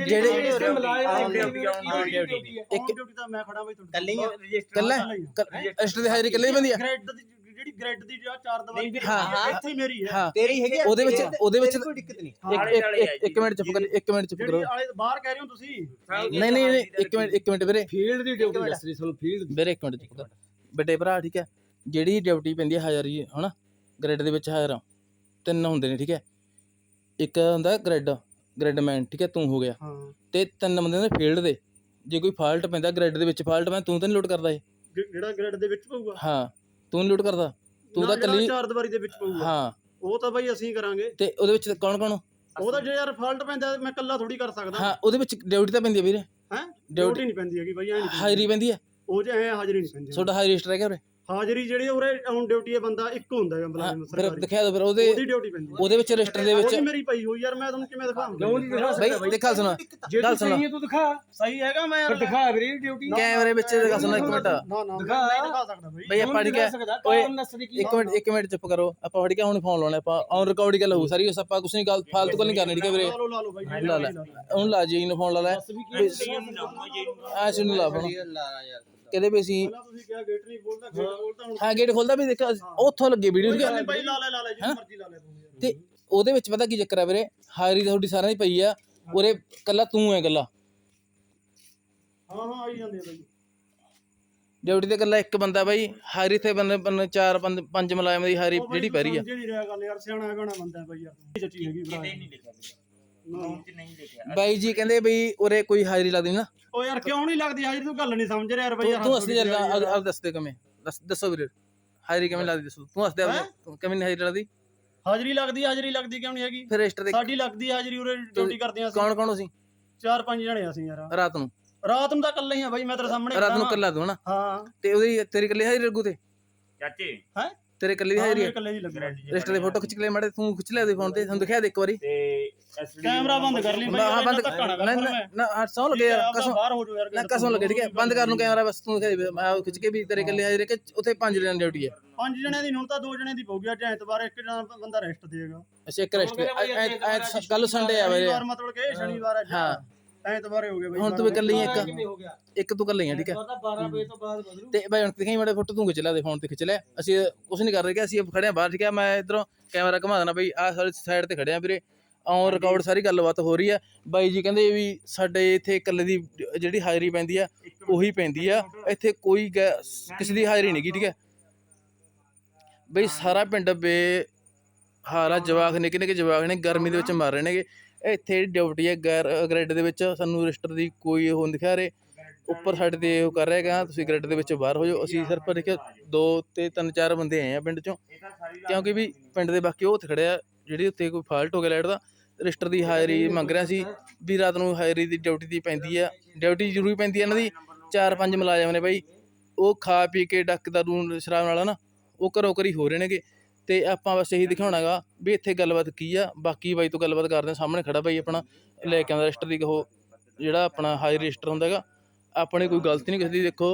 [SPEAKER 2] ਡਿਊਟੀ ਤਾਂ ਮੈਂ ਖੜਾ ਬਾਈ ਤੁਹਾਡੇ
[SPEAKER 3] ਕੱਲੀ
[SPEAKER 1] ਕੱਲਾ ਰਜਿਸਟਰ ਦੀ ਹਾਜ਼ਰੀ ਕੱਲੇ ਬੰਦੀ ਆ।
[SPEAKER 2] ਜਿਹੜੀ ਗ੍ਰੈਡ ਦੀ ਜਾਂ 4 ਦਵਾਈ
[SPEAKER 1] ਹਾਂ
[SPEAKER 2] ਇੱਥੇ ਹੀ ਮੇਰੀ ਹੈ।
[SPEAKER 1] ਹਾਂ
[SPEAKER 3] ਤੇਰੀ ਹੈਗੀ
[SPEAKER 1] ਉਹਦੇ ਵਿੱਚ
[SPEAKER 3] ਕੋਈ ਦਿੱਕਤ ਨਹੀਂ।
[SPEAKER 1] 1 ਮਿੰਟ ਚੁੱਪ ਕਰ 1 ਮਿੰਟ ਚੁੱਪ ਕਰੋ।
[SPEAKER 2] ਜਿਹੜੀ ਆਲੇ ਬਾਹਰ ਕਹਿ ਰਹੇ ਹੋ ਤੁਸੀਂ।
[SPEAKER 1] ਨਹੀਂ 1 ਮਿੰਟ ਵੀਰੇ
[SPEAKER 4] ਫੀਲਡ ਦੀ ਡਿਊਟੀ ਦੱਸ ਰਹੀ ਤੁਹਾਨੂੰ ਫੀਲਡ
[SPEAKER 1] ਵੀਰੇ 1 ਮਿੰਟ ਚੁੱਪ ਕਰ ਬੇਟੇ ਭਰਾ ਠੀਕ ਹੈ। ਜਿਹੜੀ ਡਿਊਟੀ ਪੈਂਦੀ ਹੈ ਹਾਜ਼ਰੀ ਹਨਾ ਗ੍ਰੈਡ ਦੇ ਵਿੱਚ ਹਾਜ਼ਰ 3 ਹੁੰਦੇ ਨੇ ਠੀਕ ਹੈ। ਇੱਕ ਹੁੰਦਾ ਗ੍ਰੈਡਮੈਨ ਠੀਕ ਹੈ ਤੂੰ ਹੋ ਗਿਆ ਤੇ 3 ਬੰਦੇ ਨੇ ਫੀਲਡ ਦੇ। ਜੇ ਕੋਈ ਫਾਲਟ ਪੈਂਦਾ ਗ੍ਰੈਡ ਦੇ ਵਿੱਚ ਫਾਲਟ ਮੈਂ ਤੂੰ ਤਾਂ ਨਹੀਂ ਲੋਡ ਕਰਦਾ ਇਹ
[SPEAKER 2] ਜਿਹੜਾ ਗ੍ਰੈਡ ਦੇ ਵਿੱਚ ਪਊਗਾ
[SPEAKER 1] ਹਾਂ ਤੂੰ ਨਹੀਂ ਲੋਡ ਕਰਦਾ ਤੂੰ ਤਾਂ ਕੱਲੀ
[SPEAKER 2] 4 ਦਵਾਰੀ ਦੇ ਵਿੱਚ ਪਊਗਾ
[SPEAKER 1] ਹਾਂ
[SPEAKER 2] ਉਹ ਤਾਂ ਬਾਈ ਅਸੀਂ ਕਰਾਂਗੇ।
[SPEAKER 1] ਤੇ ਉਹਦੇ ਵਿੱਚ ਕੌਣ
[SPEAKER 2] ਉਹਦਾ ਜੇ ਯਾਰ ਫਾਲਟ ਪੈਂਦਾ ਮੈਂ ਇਕੱਲਾ ਥੋੜੀ ਕਰ ਸਕਦਾ।
[SPEAKER 1] ਹਾਂ ਉਹਦੇ ਵਿੱਚ ਡਿਊਟੀ ਤਾਂ ਪੈਂਦੀ ਹੈ ਵੀਰੇ।
[SPEAKER 2] ਹੈ ਡਿਊਟੀ ਨਹੀਂ ਪੈਂਦੀ ਹੈਗੀ ਬਾਈ ਐ ਨਹੀਂ
[SPEAKER 1] ਹਾਜ਼ਰੀ ਪੈਂਦੀ ਹੈ
[SPEAKER 2] ਉਹ ਜੇ ਐ ਹਾਜ਼ਰੀ ਨਹੀਂ ਪੈਂਦੀ।
[SPEAKER 1] ਤੁਹਾਡਾ ਹਾਜ਼ਰੀ ਰਜਿਸਟਰ ਹੈਗਾ ਵੀਰੇ?
[SPEAKER 2] ਹਾਜ਼ਰੀ ਜਿਹੜੀ ਉਰੇ ਔਨ ਡਿਊਟੀ ਹੈ ਬੰਦਾ ਇੱਕ ਹੁੰਦਾ ਹੈ ਮੁਲਾਜ਼ਮ
[SPEAKER 1] ਫਿਰ
[SPEAKER 2] ਸਰਕਾਰੀ
[SPEAKER 1] ਦਿਖਾ ਦਿਓ ਫਿਰ
[SPEAKER 2] ਉਹਦੀ ਡਿਊਟੀ ਪੈਂਦੀ ਹੈ।
[SPEAKER 1] ਉਹਦੇ ਵਿੱਚ ਰਜਿਸਟਰ ਦੇ ਵਿੱਚ
[SPEAKER 2] ਉਹਦੀ ਮੇਰੀ ਪਈ ਹੋਈ ਯਾਰ ਮੈਂ ਤੁਹਾਨੂੰ ਕਿਵੇਂ ਦਿਖਾਵਾਂ?
[SPEAKER 4] ਕਿਉਂ ਨਹੀਂ ਦਿਖਾ
[SPEAKER 1] ਬਈ ਦੇਖਾ ਸੁਣਾ
[SPEAKER 4] ਜੇ
[SPEAKER 1] ਗੱਲ
[SPEAKER 4] ਤੂੰ
[SPEAKER 1] ਸੁਣਾ
[SPEAKER 4] ਸਹੀ ਹੈ ਤੂੰ ਦਿਖਾ
[SPEAKER 2] ਸਹੀ ਹੈਗਾ ਮੈਂ
[SPEAKER 4] ਫਿਰ
[SPEAKER 2] ਯਾਰ
[SPEAKER 4] ਦਿਖਾ ਵੀਰੇ ਡਿਊਟੀ
[SPEAKER 1] ਕੈਮਰੇ ਵਿੱਚ ਦਿਖਾ ਸੁਣਾ 1 ਮਿੰਟ
[SPEAKER 2] ਨਾ ਨਹੀਂ ਦਿਖਾ ਸਕਦਾ ਬਾਈ।
[SPEAKER 1] ਬਈ ਆਪਾਂ ਠੀਕ ਹੈ ਓਏ 1 ਮਿੰਟ ਚੁੱਪ ਕਰੋ ਆਪਾਂ ਠੀਕ ਹੈ ਹੁਣ ਫੋਨ ਲਾਉਣਾ ਆਪਾਂ ਔਨ ਰਿਕਾਰਡ ਗੱਲ ਹੋਊ ਸਾਰੀ ਆਪਾਂ ਕੁਛ ਨਹੀਂ ਗੱਲ ਫਾਲਤੂ ਗੱਲ ਨਹੀਂ ਕਰਨੀ ਠੀਕ ਹੈ ਵੀਰੇ।
[SPEAKER 2] ਲਾ ਲਓ ਬਾਈ
[SPEAKER 1] ਲਾ ਲੈ ਹੁਣ ਲਾ ਜੀ ਨੂੰ ਫੋਨ ਲਾ ਲੈ ਆ ਸੁਣ ਲਾ ਫੋਨ ਕਹਿੰਦੇ ਵੀ ਅਸੀਂ
[SPEAKER 2] ਤੁਸੀਂ ਕਿਹਾ ਗੇਟ ਨਹੀਂ ਖੋਲਦਾ ਗੇਟ ਖੋਲਦਾ ਹੁਣ
[SPEAKER 1] ਹਾਂ ਗੇਟ ਖੋਲਦਾ ਵੀ ਦੇਖਿਆ ਉੱਥੋਂ ਲੱਗੇ ਵੀਡੀਓ
[SPEAKER 2] ਬਾਈ ਲਾ ਲੈ ਜਿੰਨੀ ਮਰਜ਼ੀ ਲਾ ਲੈ ਤੂੰ।
[SPEAKER 1] ਤੇ ਉਹਦੇ ਵਿੱਚ ਪਤਾ ਕੀ ਚੱਕਰ ਹੈ ਵੀਰੇ ਹਾਜ਼ਰੀ ਤੁਹਾਡੀ ਸਾਰਿਆਂ ਦੀ ਪਈ ਆ ਉਰੇ ਕੱਲਾ ਤੂੰ ਹੈ ਕੱਲਾ
[SPEAKER 2] ਹਾਂ ਆਈ ਜਾਂਦੇ ਆ ਬਾਈ
[SPEAKER 1] ਡਿਊਟੀ ਤੇ ਕੱਲਾ ਇੱਕ ਬੰਦਾ ਬਾਈ ਹਾਜ਼ਰੀ ਤੇ ਬੰਦੇ 4 5 ਮੁਲਾਜ਼ਮ ਦੀ ਹਾਜ਼ਰੀ ਜਿਹੜੀ ਪੈ ਰਹੀ ਆ।
[SPEAKER 2] ਜਿਹੜੀ ਰਿਹਾ ਗੱਲ ਯਾਰ ਸਿਆਣਾ ਗਾਣਾ ਬੰਦਾ ਬਾਈ ਯਾਰ ਚੱਚੀ ਹੈਗੀ ਭਰਾ
[SPEAKER 3] ਨਹੀਂ ਲਿਖਿਆ ਨਹੀਂ ਲਿਖਿਆ
[SPEAKER 1] ਬਾਈ ਜੀ ਕਹਿੰਦੇ ਬਈ ਉਰੇ ਕੋਈ ਹਾਜ਼ਰੀ ਲੱਗਦੀ ਨਾ।
[SPEAKER 2] ਉਹ ਯਾਰ ਕਿਉਂ ਨਹੀਂ ਲੱਗਦੀ ਹਾਜ਼ਰੀ? ਤੂੰ ਗੱਲ ਨਹੀਂ ਸਮਝ ਰਿਹਾ ਯਾਰ ਬਾਈ ਯਾਰ
[SPEAKER 1] ਤੂੰ ਅਸਲੀ ਆਪ ਦੱਸ ਦੇ ਕਿਵੇਂ ਦੱਸੋ ਵੀਰੇ ਹਾਜ਼ਰੀ ਕਿਵੇਂ ਲੱਗਦੀ ਦੱਸੋ ਤੂੰ ਦੱਸ ਦੇ ਤੂੰ ਕਿਵੇਂ ਨਹੀਂ ਹਾਜ਼ਰੀ ਲੱਗਦੀ?
[SPEAKER 2] ਹਾਜ਼ਰੀ ਲੱਗਦੀ ਕਿਉਂ ਨਹੀਂ ਹੈਗੀ?
[SPEAKER 1] ਫਿਰ ਰਜਿਸਟਰ ਦੇ
[SPEAKER 2] ਸਾਡੀ ਲੱਗਦੀ ਹਾਜ਼ਰੀ ਉਰੇ ਡਿਊਟੀ ਕਰਦੇ ਆ ਅਸੀਂ।
[SPEAKER 1] ਕੌਣ ਅਸੀਂ
[SPEAKER 2] 4-5 ਜਣੇ ਅਸੀਂ ਯਾਰ।
[SPEAKER 1] ਰਾਤ ਨੂੰ
[SPEAKER 2] ਤਾਂ ਇਕੱਲੇ ਹੀ ਆ ਬਾਈ ਮੈਂ ਤੇਰੇ ਸਾਹਮਣੇ
[SPEAKER 1] ਰਾਤ ਨੂੰ ਕੱਲਾ ਤੂੰ ਹਨਾ
[SPEAKER 2] ਹਾਂ
[SPEAKER 1] ਤੇ ਉਹਦੀ ਤੇਰੀ ਕੱਲੀ ਹਾਜ਼ਰੀ ਲੱਗੂ ਤੇ
[SPEAKER 3] ਚਾਚੇ
[SPEAKER 2] ਹੈ
[SPEAKER 1] ਤੇਰੇ ਕੱਲੀ ਦੀ ਹਾਜ਼ਰੀ
[SPEAKER 2] ਇਕੱਲੇ ਹੀ ਲੱਗਣਾ।
[SPEAKER 1] ਰਜਿਸਟਰ ਦੀ ਫੋਟੋ ਖਿੱਚ ਕੇ ਲੈ ਮਾੜੇ ਤੂੰ ਖਿੱਚ ਲਿਆ ਦੇ ਫੋਨ ਤੇ ਤੁਹਾਨੂੰ ਦਿਖਾ ਦੇ ਇੱਕ ਵਾਰੀ
[SPEAKER 3] ਤੇ ਐਸਡੀ
[SPEAKER 2] ਕੈਮਰਾ ਬੰਦ ਕਰ ਲਈ ਬਾਈ
[SPEAKER 1] ਹਾਂ ਬੰਦ
[SPEAKER 2] ਧੱਕਾ ਨਾ ਕਰ
[SPEAKER 1] ਨਾ
[SPEAKER 2] ਮੈਂ
[SPEAKER 1] ਨਾ 800 ਲੱਗੇ ਯਾਰ ਕਸਮ
[SPEAKER 2] ਬਾਹਰ ਹੋ ਜਾਓ ਯਾਰ।
[SPEAKER 1] ਨਾ ਕਸਮ ਲੱਗੇ ਠੀਕ ਹੈ ਬੰਦ ਕਰ ਨੂੰ ਕੈਮਰਾ ਬਸ ਤੂੰ ਦਿਖਾ ਦੇ ਮੈਂ ਖਿੱਚ ਕੇ ਵੀ ਤੇਰੇ ਕੱਲੀ ਹਾਜ਼ਰੀ ਕਿ ਉੱਥੇ 5 ਜਣਿਆਂ ਦੀ ਡਿਊਟੀ ਹੈ।
[SPEAKER 2] 5 ਜਣਿਆਂ ਦੀ ਹੁਣ ਤਾਂ 2 ਜਣਿਆਂ ਦੀ ਪਊਗੀ। ਅੱਜ ਐਤਵਾਰ ਇੱਕ ਜਣਾ ਬੰਦਾ ਰੈਸਟ ਦੇਗਾ।
[SPEAKER 1] ਅੱਛਾ ਇੱਕ ਰਜਿਸਟਰ ਕੱਲ ਸੰਡੇ ਆ ਵੀਰੇ
[SPEAKER 2] ਮਤਲਬ ਕਿ ਸ਼ਨੀਵਾਰ ਅੱਜ
[SPEAKER 1] ਹਾਂ
[SPEAKER 2] ਐਤਵਾਰ ਹੋ ਗਿਆ ਬਾਈ।
[SPEAKER 1] ਹੁਣ ਤੂੰ ਇਕੱਲੀ ਹੈ
[SPEAKER 4] ਹੋ ਗਿਆ
[SPEAKER 1] ਇੱਕ ਤੂੰ ਇਕੱਲੀ ਹੈ ਠੀਕ ਹੈ।
[SPEAKER 4] 12 ਵਜੇ ਤੋਂ ਬਾਅਦ ਬਦਲੂ
[SPEAKER 1] ਤੇ ਬਾਈ ਹੁਣ ਦਿਖਾਈ ਮਾੜੇ ਫੋਟੋ ਤੂੰ ਖਿੱਚ ਲੈ ਦੇ ਫੋਨ ਤੇ ਖਿੱਚ ਲੈ ਅਸੀਂ ਕੁਝ ਨਹੀਂ ਕਰ ਰਹੇ ਕਿ ਅਸੀਂ ਖੜੇ ਆ ਬਾਹਰ ਠੀਕ ਹੈ। ਮੈਂ ਇਧਰੋਂ ਕੈਮਰਾ ਘੁਮਾ ਦੇਣਾ ਬਈ ਆਹ ਸਾਰੀ ਸਾਈਡ ਤੇ ਖੜੇ ਆ ਵੀਰੇ ਔਨ ਰਿਕਾਰਡ ਸਾਰੀ ਗੱਲਬਾਤ ਹੋ ਰਹੀ ਆ। ਬਾਈ ਜੀ ਕਹਿੰਦੇ ਵੀ ਸਾਡੇ ਇੱਥੇ ਇਕੱਲੇ ਦੀ ਜਿਹੜੀ ਹਾਜ਼ਰੀ ਪੈਂਦੀ ਆ ਉਹੀ ਪੈਂਦੀ ਆ ਇੱਥੇ ਕੋਈ ਕਿਸੇ ਦੀ ਹਾਜ਼ਰੀ ਨਹੀਂ ਗੀ ਠੀਕ ਹੈ। ਬਈ ਸਾਰਾ ਪਿੰਡ ਹਾਰਾ ਜਵਾਕ ਨਿੱਕੇ ਨਿੱਕੇ ਜਵਾਕ ਨੇ ਗਰਮੀ ਦੇ ਵਿੱਚ ਮਰ ਰਹੇ ਨੇਗੇ। ਇੱਥੇ ਡਿਊਟੀ ਹੈ ਗ੍ਰਿਡ ਦੇ ਵਿੱਚ ਸਾਨੂੰ ਰਜਿਸਟਰ ਦੀ ਕੋਈ ਉਹ ਨਹੀਂ ਦਿਖਾ ਰਹੇ ਉੱਪਰ ਸਾਡੇ ਤੇ ਉਹ ਕਰ ਰਿਹਾ ਤੁਸੀਂ ਗ੍ਰਿਡ ਦੇ ਵਿੱਚ ਬਾਹਰ ਹੋ ਜਾਓ। ਅਸੀਂ ਸਿਰਫ ਦੇਖਿਆ 2 ਤੇ 3-4 ਬੰਦੇ ਆਏ ਆ ਪਿੰਡ ਚੋਂ ਕਿਉਂਕਿ ਵੀ ਪਿੰਡ ਦੇ ਬਾਕੀ ਉਹ ਉੱਥੇ ਖੜੇ ਆ ਜਿਹੜੀ ਉੱਤੇ ਕੋਈ ਫਾਲਟ ਹੋ ਗਿਆ ਲਾਈਟ ਦਾ ਰਜਿਸਟਰ ਦੀ ਹਾਜ਼ਰੀ ਮੰਗ ਰਿਹਾ ਸੀ ਵੀ ਰਾਤ ਨੂੰ ਹਾਜ਼ਰੀ ਦੀ ਡਿਊਟੀ ਦੀ ਪੈਂਦੀ ਆ ਡਿਊਟੀ ਜ਼ਰੂਰੀ ਪੈਂਦੀ ਆ ਇਹਨਾਂ ਦੀ। 4-5 ਮੁਲਾਜ਼ਮ ਨੇ ਬਾਈ ਉਹ ਖਾ ਪੀ ਕੇ ਡੱਕ ਦਾ ਰੂ ਸ਼ਰਾਬ ਨਾਲ ਨਾ ਉਹ ਘਰੋਂ ਘਰੀ ਹੋ ਰਹੇ ਨੇਗੇ। ਤੇ ਆਪਾਂ ਬਸ ਇਹੀ ਦਿਖਾਉਣਾ ਗਾ ਵੀ ਇੱਥੇ ਗੱਲਬਾਤ ਕੀ ਆ। ਬਾਕੀ ਬਾਈ ਤੋਂ ਗੱਲਬਾਤ ਕਰਦੇ ਹਾਂ ਸਾਹਮਣੇ ਖੜਾ ਬਾਈ ਆਪਣਾ ਲੈ ਕੇ ਆਉਂਦਾ ਰਜਿਸਟਰ ਦੀ ਉਹ ਜਿਹੜਾ ਆਪਣਾ ਹਾਜ਼ਰੀ ਰਜਿਸਟਰ ਹੁੰਦਾ ਹੈਗਾ। ਆਪਣੀ ਕੋਈ ਗਲਤੀ ਨਹੀਂ ਕਿਸੇ ਦੀ। ਦੇਖੋ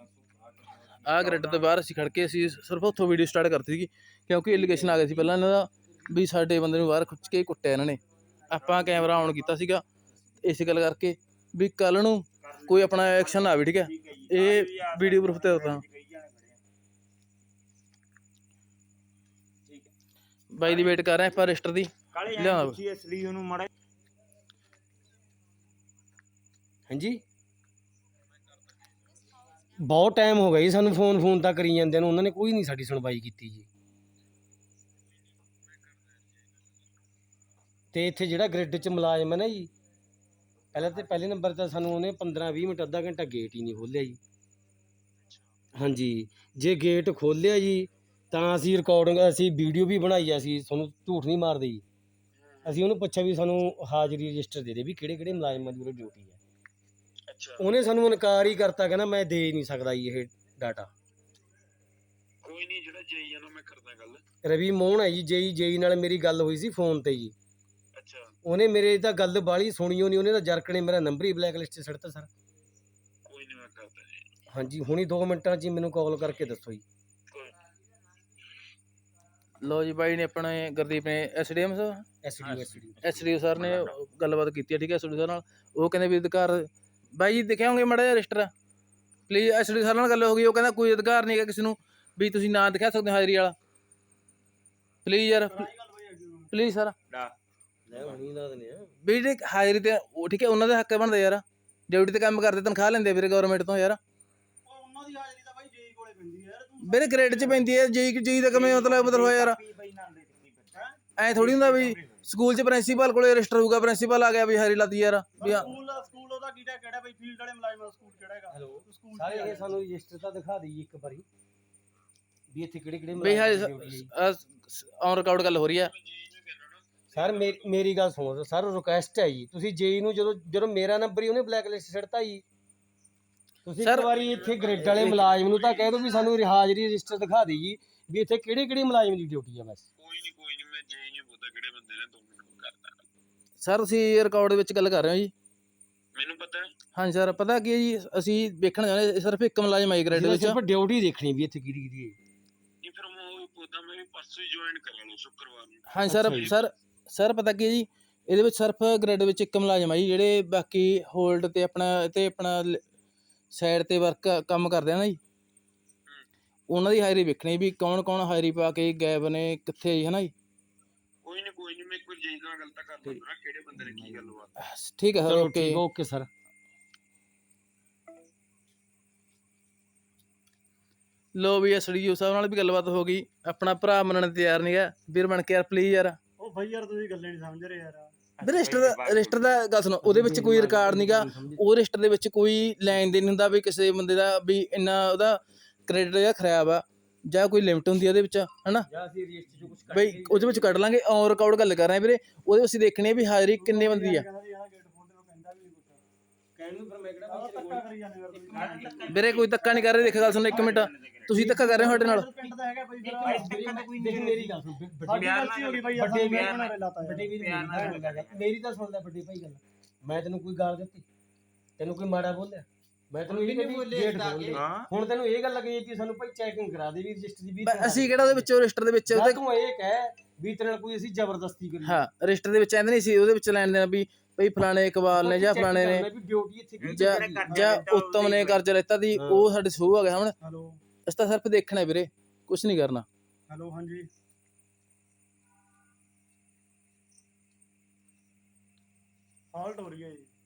[SPEAKER 1] ਆਹ ਗ੍ਰਿਡ ਤੋਂ ਬਾਹਰ ਅਸੀਂ ਖੜ ਕੇ ਅਸੀਂ ਸਿਰਫ ਉੱਥੋਂ ਵੀਡੀਓ ਸਟਾਰਟ ਕਰਤੀ ਸੀਗੀ ਕਿਉਂਕਿ ਐਲੀਗੇਸ਼ਨ ਆ ਗਿਆ ਸੀ ਪਹਿਲਾਂ ਇਹਨਾਂ ਦਾ ਵੀ ਸਾਡੇ ਬੰਦੇ ਨੂੰ ਬਾਹਰ ਖਿੱਚ ਕੇ ਕੁੱਟਿਆ ਇਹਨਾਂ ਨੇ ਆਪਾਂ ਕੈਮਰਾ ਔਨ ਕੀਤਾ ਸੀਗਾ ਇਸ ਗੱਲ ਕਰਕੇ ਵੀ ਕੱਲ ਨੂੰ ਕੋਈ ਆਪਣਾ ਐਕਸ਼ਨ ਨਾ ਆਵੇ, ਠੀਕ ਹੈ। ਇਹ ਵੀਡੀਓ ਪ੍ਰੂਫ ਤੇ ਦੱਸਾਂ ਬਾਈ ਦੀ ਵੇਟ ਕਰ ਰਹੇ ਆਪਾਂ ਰਜਿਸਟਰ ਦੀ ਲਿਆਉਣਾ।
[SPEAKER 4] ਹਾਂਜੀ ਬਹੁਤ ਟਾਈਮ ਹੋ ਗਿਆ ਜੀ ਸਾਨੂੰ ਫੋਨ ਤਾਂ ਕਰੀ ਜਾਂਦੇ ਨੂੰ, ਉਹਨਾਂ ਨੇ ਕੋਈ ਨਹੀਂ ਸਾਡੀ ਸੁਣਵਾਈ ਕੀਤੀ ਜੀ। ਤੇ ਇੱਥੇ ਜਿਹੜਾ ਗ੍ਰਿਡ 'ਚ ਮੁਲਾਜ਼ਮ ਹੈ ਨਾ ਜੀ, ਪਹਿਲੇ ਨੰਬਰ ਤਾਂ ਸਾਨੂੰ ਉਹਨੇ 15-20 ਮਿੰਟ ਅੱਧਾ ਘੰਟਾ ਗੇਟ ਹੀ ਨਹੀਂ ਖੋਲ੍ਹਿਆ ਜੀ। ਹਾਂਜੀ ਜੇ ਗੇਟ ਖੋਲ੍ਹਿਆ ਜੀ ਤਾਂ ਅਸੀਂ ਰਿਕਾਰਡਿੰਗ, ਅਸੀਂ ਵੀਡੀਓ ਵੀ ਬਣਾਈ ਆ, ਅਸੀਂ ਤੁਹਾਨੂੰ ਝੂਠ ਨਹੀਂ ਮਾਰਦੇ ਜੀ। ਅਸੀਂ ਉਹਨੂੰ ਪੁੱਛਿਆ ਵੀ ਸਾਨੂੰ ਹਾਜ਼ਰੀ ਰਜਿਸਟਰ ਦੇ ਵੀ ਕਿਹੜੇ ਮੁਲਾਜ਼ਮਾਂ ਦੀ ਉਰੇ ਡਿਊਟੀ ਹੈ। ਉਹਨੇ ਸਾਨੂੰ ਇਨਕਾਰ ਹੀ ਕਰਤਾ, ਕਹਿੰਦਾ ਮੈਂ ਦੇ ਨਹੀਂ ਸਕਦਾ ਜੀ ਇਹ ਡਾਟਾ।
[SPEAKER 5] ਕੋਈ ਨਹੀਂ, ਜਿਹੜਾ ਜੇਈ ਆ ਨਾ ਮੈਂ ਕਰਦਾ ਗੱਲ।
[SPEAKER 4] ਰਵੀ ਮੋਹਨ ਹੈ ਜੀ, ਜੇਈ ਨਾਲ ਮੇਰੀ ਗੱਲ ਹੋਈ ਸੀ ਫੋਨ ਤੇ ਜੀ।
[SPEAKER 5] ਅੱਛਾ,
[SPEAKER 4] ਉਹਨੇ ਮੇਰੇ ਤਾਂ ਗੱਲ ਬਾਹਲੀ ਸੁਣੀ ਨਹੀਂ, ਉਹਨੇ ਤਾਂ ਜਰਕ ਨੇ ਮੇਰਾ ਨੰਬਰ ਹੀ ਬਲੈਕ ਲਿਸਟ 'ਤੇ ਸੱਟਤਾ ਸਰ।
[SPEAKER 5] ਕੋਈ ਨਹੀਂ ਮੈਂ ਕਰਦਾ ਜੀ।
[SPEAKER 4] ਹਾਂਜੀ ਹੁਣੀ 2 ਮਿੰਟਾਂ 'ਚ ਹੀ ਮੈਨੂੰ ਕਾਲ ਕਰਕੇ ਦੱਸੋ ਜੀ।
[SPEAKER 1] ਲੋ ਜੀ ਬਾਈ ਨੇ ਆਪਣੇ ਗੁਰਦੀਪ ਨੇ ਐਸਡੀਐਮ ਐਸਡੀਓ ਸਰ ਨੇ ਗੱਲਬਾਤ ਕੀਤੀ ਹੈ, ਠੀਕ ਹੈ ਐਸਡੀਓ ਸਰ ਨਾਲ। ਉਹ ਕਹਿੰਦੇ ਵੀ ਅਧਿਕਾਰ ਬਾਈ ਜੀ ਦਿਖਾਓਗੇ ਮਾੜਾ ਜਿਹਾ ਰਜਿਸਟਰ ਪਲੀਜ਼। ਐਸਡੀਓ ਸਰ ਨਾਲ ਗੱਲ ਹੋ ਗਈ, ਉਹ ਕਹਿੰਦਾ ਕੋਈ ਅਧਿਕਾਰ ਨਹੀਂ ਹੈਗਾ ਕਿਸੇ ਨੂੰ ਵੀ ਤੁਸੀਂ ਨਾ ਦਿਖਾ ਸਕਦੇ ਹੋ ਹਾਜ਼ਰੀ ਵਾਲਾ, ਪਲੀਜ਼ ਯਾਰ ਪਲੀਜ਼ ਸਰ ਵੀ ਜਿਹੜੇ ਹਾਜ਼ਰੀ ਤੇ ਉਹ ਠੀਕ ਹੈ ਉਹਨਾਂ ਦਾ ਹੱਕ ਬਣਦਾ ਯਾਰ, ਡਿਊਟੀ ਤੇ ਕੰਮ ਕਰਦੇ ਤਨਖਾਹ ਲੈਂਦੇ ਵੀਰੇ ਗਵਰਨਮੈਂਟ ਤੋਂ ਯਾਰ।
[SPEAKER 2] ਉਹਨਾਂ ਦੀ ਹਾਜ਼ਰੀ ਤਾਂ ਬਾਈ ਜੇਈ ਕੋਲੇ ਪੈਂਦੀ ਹੈ ਯਾਰ।
[SPEAKER 1] ਵੀਰੇ ਗ੍ਰੇਡ 'ਚ ਪੈਂਦੀ ਹੈ ਜੇਈ ਦਾ ਕਿਵੇਂ ਮਤਲਬ ਹੋਇਆ ਯਾਰ। ਐ ਥੋੜੀ ਹੁੰਦਾ ਵੀ ਸਕੂਲ 'ਚ ਪ੍ਰਿੰਸੀਪਲ ਕੋਲੇ ਰਜਿਸਟਰ ਹੋਊਗਾ, ਪ੍ਰਿੰਸੀਪਲ ਆ ਗਿਆ ਵੀ ਹਾਜ਼ਰੀ ਲਾਤੀ ਯਾਰ ਵੀ
[SPEAKER 2] ਸਕੂਲ ਉਹਦਾ ਕਿਹੜਾ ਬਈ ਫੀਲਡ ਵਾਲੇ ਮੁਲਾਜ਼ਮ ਦਾ ਸਕੂਲ ਕਿਹੜਾ ਹੈਗਾ?
[SPEAKER 4] ਹੈਲੋ ਸਾਰੇ ਇਹ ਸਾਨੂੰ ਰਜਿਸਟਰ ਤਾਂ ਦਿਖਾ ਦੇਈਏ ਇੱਕ ਵਾਰੀ ਵੀ ਇੱਥੇ ਕਿਹੜੇ
[SPEAKER 1] ਬਈ ਔਨ ਰਿਕਾਰਡ ਗੱਲ ਹੋ ਰਹੀ ਹੈ।
[SPEAKER 4] ਸਰ ਮੇਰੀ ਗੱਲ ਸੁਣੋ ਸਰ, ਰਿਕੁਐਸਟ ਹੈ ਜੀ, ਤੁਸੀਂ ਜੇਈ ਨੂੰ ਜਦੋਂ ਮੇਰਾ ਨੰਬਰ ਹੀ ਉਹਨੇ ਬਲੈਕ ਲਿਸਟ ਛੱਡਤਾ ਜੀ। ਤੁਸੀਂ ਇੱਕ ਵਾਰੀ ਇੱਥੇ ਗ੍ਰਿਡ ਵਾਲੇ ਮੁਲਾਜ਼ਮ ਨੂੰ ਤਾਂ ਕਹਿ ਦਿਓ ਵੀ ਸਾਨੂੰ ਹਾਜ਼ਰੀ ਰਜਿਸਟਰ ਦਿਖਾ ਦੇ ਜੀ ਵੀ ਇੱਥੇ ਕਿਹੜੇ ਮੁਲਾਜ਼ਮ ਦੀ ਡਿਊਟੀ ਆ ਬਸ।
[SPEAKER 5] ਕੋਈ ਨਹੀਂ ਮੈਂ ਜੇਈ ਨਹੀਂ ਪੁੱਛਦਾ ਕਿਹੜੇ ਬੰਦੇ ਨੇ, 2 ਮਿੰਟ ਕਰਦਾ
[SPEAKER 1] ਸਰ ਤੁਸੀਂ ਰਿਕਾਰਡ ਦੇ ਵਿੱਚ ਗੱਲ ਕਰ ਰਹੇ ਹੋ ਜੀ?
[SPEAKER 5] ਮੈਨੂੰ ਪਤਾ ਹੈ।
[SPEAKER 1] ਹਾਂਜੀ ਸਰ ਪਤਾ ਕੀ ਹੈ ਜੀ, ਅਸੀਂ ਵੇਖਣ ਜਾਂਦੇ ਸਿਰਫ ਇੱਕ ਮੁਲਾਜ਼ਮ ਆਈ ਗ੍ਰੇਡ ਵਿੱਚ,
[SPEAKER 4] ਸਿਰਫ ਡਿਊਟੀ ਦੇਖਣੀ ਵੀ ਇੱਥੇ ਕਿਹੜੀ ਹੈ।
[SPEAKER 5] ਨਹੀਂ ਫਿਰ ਮੈਂ ਉਹ ਪੁੱਛਦਾ, ਮੈਂ ਵੀ ਪਰਸੋਂ ਹੀ ਜੁਆਇਨ ਕਰ ਲੈਣਾ ਸ਼ੁੱਕਰਵਾਰ ਨੂੰ।
[SPEAKER 1] ਹਾਂਜੀ ਸਰ ਪਤਾ ਕੀ ਹੈ ਜੀ, ਇਹਦੇ ਵਿੱਚ ਸਿਰਫ ਗ੍ਰਿਡ ਵਿੱਚ ਇੱਕ ਮੁਲਾਜ਼ਮ ਆ ਜੀ, ਜਿਹੜੇ ਬਾਕੀ ਹੋਲਡ ਤੇ ਆਪਣਾ ਸਾਈਡ ਤੇ ਵਰਕ ਕੰਮ ਕਰਦੇ ਆ ਨਾ ਜੀ, ਉਹਨਾਂ ਦੀ ਹਾਜ਼ਰੀ ਵੇਖਣੀ ਵੀ ਕੌਣ ਹਾਜ਼ਰੀ ਪਾ ਕੇ ਗਾਇਬ ਨੇ ਕਿੱਥੇ ਜੀ, ਹੈ ਨਾ ਜੀ।
[SPEAKER 5] ਕੋਈ ਨਹੀਂ ਮੈਂ ਇੱਕ ਵਾਰ ਜੇਈ ਨਾਲ ਗੱਲ ਤਾਂ ਕਰ ਲੈਂਦਾ ਕਿਹੜੇ ਬੰਦੇ ਨੇ ਕੀ ਗੱਲ ਬਾਤ।
[SPEAKER 1] ਠੀਕ ਹੈ ਸਰ,
[SPEAKER 4] ਓਕੇ ਸਰ।
[SPEAKER 1] ਲੋ ਵੀ ਐਸਡੀਓ ਸਾਹਿਬ ਨਾਲ ਵੀ ਗੱਲਬਾਤ ਹੋ ਗਈ, ਆਪਣਾ ਭਰਾ ਮੰਨਣ ਤੇ ਤਿਆਰ ਨਹੀਂ ਹੈ, ਵੀਰ ਬਣ ਕੇ ਯਾਰ ਪਲੀਜ਼ ਯਾਰ।
[SPEAKER 2] ਉਹ ਬਾਈ ਯਾਰ ਤੁਸੀਂ ਗੱਲੇ ਨਹੀਂ ਸਮਝ ਰਹੇ ਯਾਰ।
[SPEAKER 1] ਰਜਿਸਟਰ ਦਾ ਗੱਲ ਸੁਣੋ, ਉਹਦੇ ਵਿੱਚ ਕੋਈ ਰਿਕਾਰਡ ਨਹੀਂਗਾ, ਉਹ ਰਜਿਸਟਰ ਦੇ ਵਿੱਚ ਕੋਈ ਲੈਣ ਦੇਣ ਹੁੰਦਾ ਵੀ ਕਿਸੇ ਬੰਦੇ ਦਾ ਵੀ ਇੰਨਾ ਉਹਦਾ ਕ੍ਰੈਡਿਟ ਜਾਂ ਖਰਾਬ ਆ ਜਾਂ ਕੋਈ ਲਿਮਟ ਹੁੰਦੀ ਉਹਦੇ ਵਿੱਚ, ਹਨਾ ਬਈ ਉਹਦੇ ਵਿੱਚ ਕੱਢ ਲਾਂਗੇ। ਔਨ ਰਿਕਾਰਡ ਗੱਲ ਕਰ ਰਹੇ ਵੀਰੇ, ਉਹਦੇ ਵਿੱਚ ਦੇਖਣੀ ਵੀ ਹਾਜ਼ਰੀ ਕਿੰਨੇ ਬੰਦੀ ਆ ਵੀਰੇ। ਕੋਈ ਧੱਕਾ ਨਹੀਂ ਕਰ ਰਹੇ, ਦੇਖ ਗੱਲ ਸੁਣੋ 1 ਮਿੰਟ, ਤੁਸੀਂ ਧੱਕਾ ਕਰ ਰਹੇ ਹੋ ਸਾਡੇ ਨਾਲ।
[SPEAKER 4] ਮੇਰੀ ਗੱਲ ਸੁਣ ਮੇਰੀ ਤਾਂ ਸੁਣ ਲੈ ਵੱਡੇ ਭਾਈ ਗੱਲ, ਮੈਂ ਤੈਨੂੰ ਕੋਈ ਗਾਲ ਦਿੱਤੀ, ਤੈਨੂੰ ਕੋਈ ਮਾੜਾ ਬੋਲਿਆ? ਮੈਂ ਤੈਨੂੰ ਇਹ ਨਹੀਂ ਹੁਣ ਤੈਨੂੰ ਇਹ ਗੱਲ ਲੱਗੀ ਕਿ ਸਾਨੂੰ ਭਾਈ ਚੈਕਿੰਗ ਕਰਾ ਦੇ ਵੀ ਰਜਿਸਟਰ ਦੀ ਵੀ।
[SPEAKER 1] ਅਸੀਂ ਕਿਹੜਾ ਉਹਦੇ ਵਿੱਚ ਰਜਿਸਟਰ ਦੇ ਵਿੱਚ
[SPEAKER 4] ਤੂੰ ਇਹ ਕਹਿ ਵੀ ਤੇਰੇ ਨਾਲ ਕੋਈ ਅਸੀਂ ਜ਼ਬਰਦਸਤੀ ਕਰੀ?
[SPEAKER 1] ਹਾਂ ਰਜਿਸਟਰ ਦੇ ਵਿੱਚ ਐਂਦੇ ਨਹੀਂ ਸੀ, ਉਹਦੇ ਵਿੱਚ ਲੈਣ ਦੇਣਾ ਵੀ ਭਈ ਫਲਾਣੇ ਇਕਬਾਲ ਨੇ ਜਾਂ ਫਲਾਣੇ ਨੇ ਜਾਂ ਉੱਤਮ ਨੇ ਕਰਜ਼ਾ ਲੈਤਾ ਦੀ, ਉਹ ਸਾਡੇ ਸ਼ੋਅ ਆ ਗਿਆ ਹੁਣ। ਅਸੀਂ ਤਾਂ ਸਿਰਫ ਦੇਖਣਾ ਵੀਰੇ, ਕੁਛ ਨਹੀਂ ਕਰਨਾ।
[SPEAKER 2] ਹੈਲੋ ਹਾਂਜੀ ਹਾਲਟ ਹੋ ਰਹੀ ਹੈ ਜੀ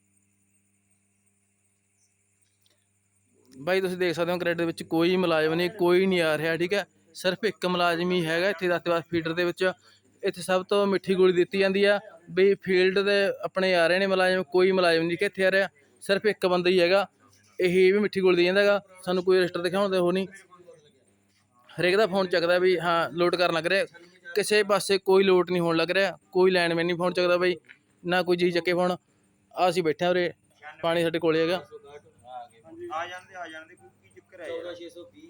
[SPEAKER 1] ਬਾਈ, ਤੁਸੀਂ ਦੇਖ ਸਕਦੇ ਹੋ ਕ੍ਰੈਡਿਟ ਦੇ ਵਿੱਚ ਕੋਈ ਮੁਲਾਜ਼ਮ ਨਹੀਂ, ਕੋਈ ਨਹੀਂ ਆ ਰਿਹਾ, ਠੀਕ ਹੈ। ਸਿਰਫ ਇੱਕ ਮੁਲਾਜ਼ਮ ਹੀ ਹੈਗਾ ਇੱਥੇ ਦਾਤੇਵਾਲ ਫੀਡਰ ਦੇ ਵਿੱਚ। ਇੱਥੇ ਸਭ ਤੋਂ ਮਿੱਠੀ ਗੋਲੀ ਦਿੱਤੀ ਜਾਂਦੀ ਆ ਵੀ ਫੀਲਡ ਦੇ ਆਪਣੇ ਆ ਰਹੇ ਨੇ ਮੁਲਾਜ਼ਮ, ਕੋਈ ਮੁਲਾਜ਼ਮ ਨਹੀਂ ਕਿ ਇੱਥੇ ਆ ਰਿਹਾ, ਸਿਰਫ ਇੱਕ ਬੰਦਾ ਹੀ ਹੈਗਾ, ਇਹ ਵੀ ਮਿੱਠੀ ਗੋਲੀ ਦੇ ਜਾਂਦਾ ਹੈਗਾ ਸਾਨੂੰ। ਕੋਈ ਰਜਿਸਟਰ ਦਿਖਾਉਣ ਦੇ ਉਹ ਨਹੀਂ, ਹਰੇਕ ਦਾ ਫੋਨ ਚੱਕਦਾ ਵੀ ਹਾਂ ਲੋਡ ਕਰਨ ਲੱਗ ਰਿਹਾ, ਕਿਸੇ ਪਾਸੇ ਕੋਈ ਲੋਡ ਨਹੀਂ ਹੋਣ ਲੱਗ ਰਿਹਾ, ਕੋਈ ਲਾਈਨਮੈਨ ਨਹੀਂ ਫੋਨ ਚੱਕਦਾ ਬਈ, ਨਾ ਕੋਈ ਜੀ ਚੱਕੇ ਫੋਨ। ਆ ਅਸੀਂ ਬੈਠੇ ਉਰੇ, ਪਾਣੀ ਸਾਡੇ ਕੋਲੇ ਹੈਗਾ।
[SPEAKER 3] ਆ ਜਾਂਦੇ ਕੀ ਚੱਕਰ ਹੈ?
[SPEAKER 4] 14620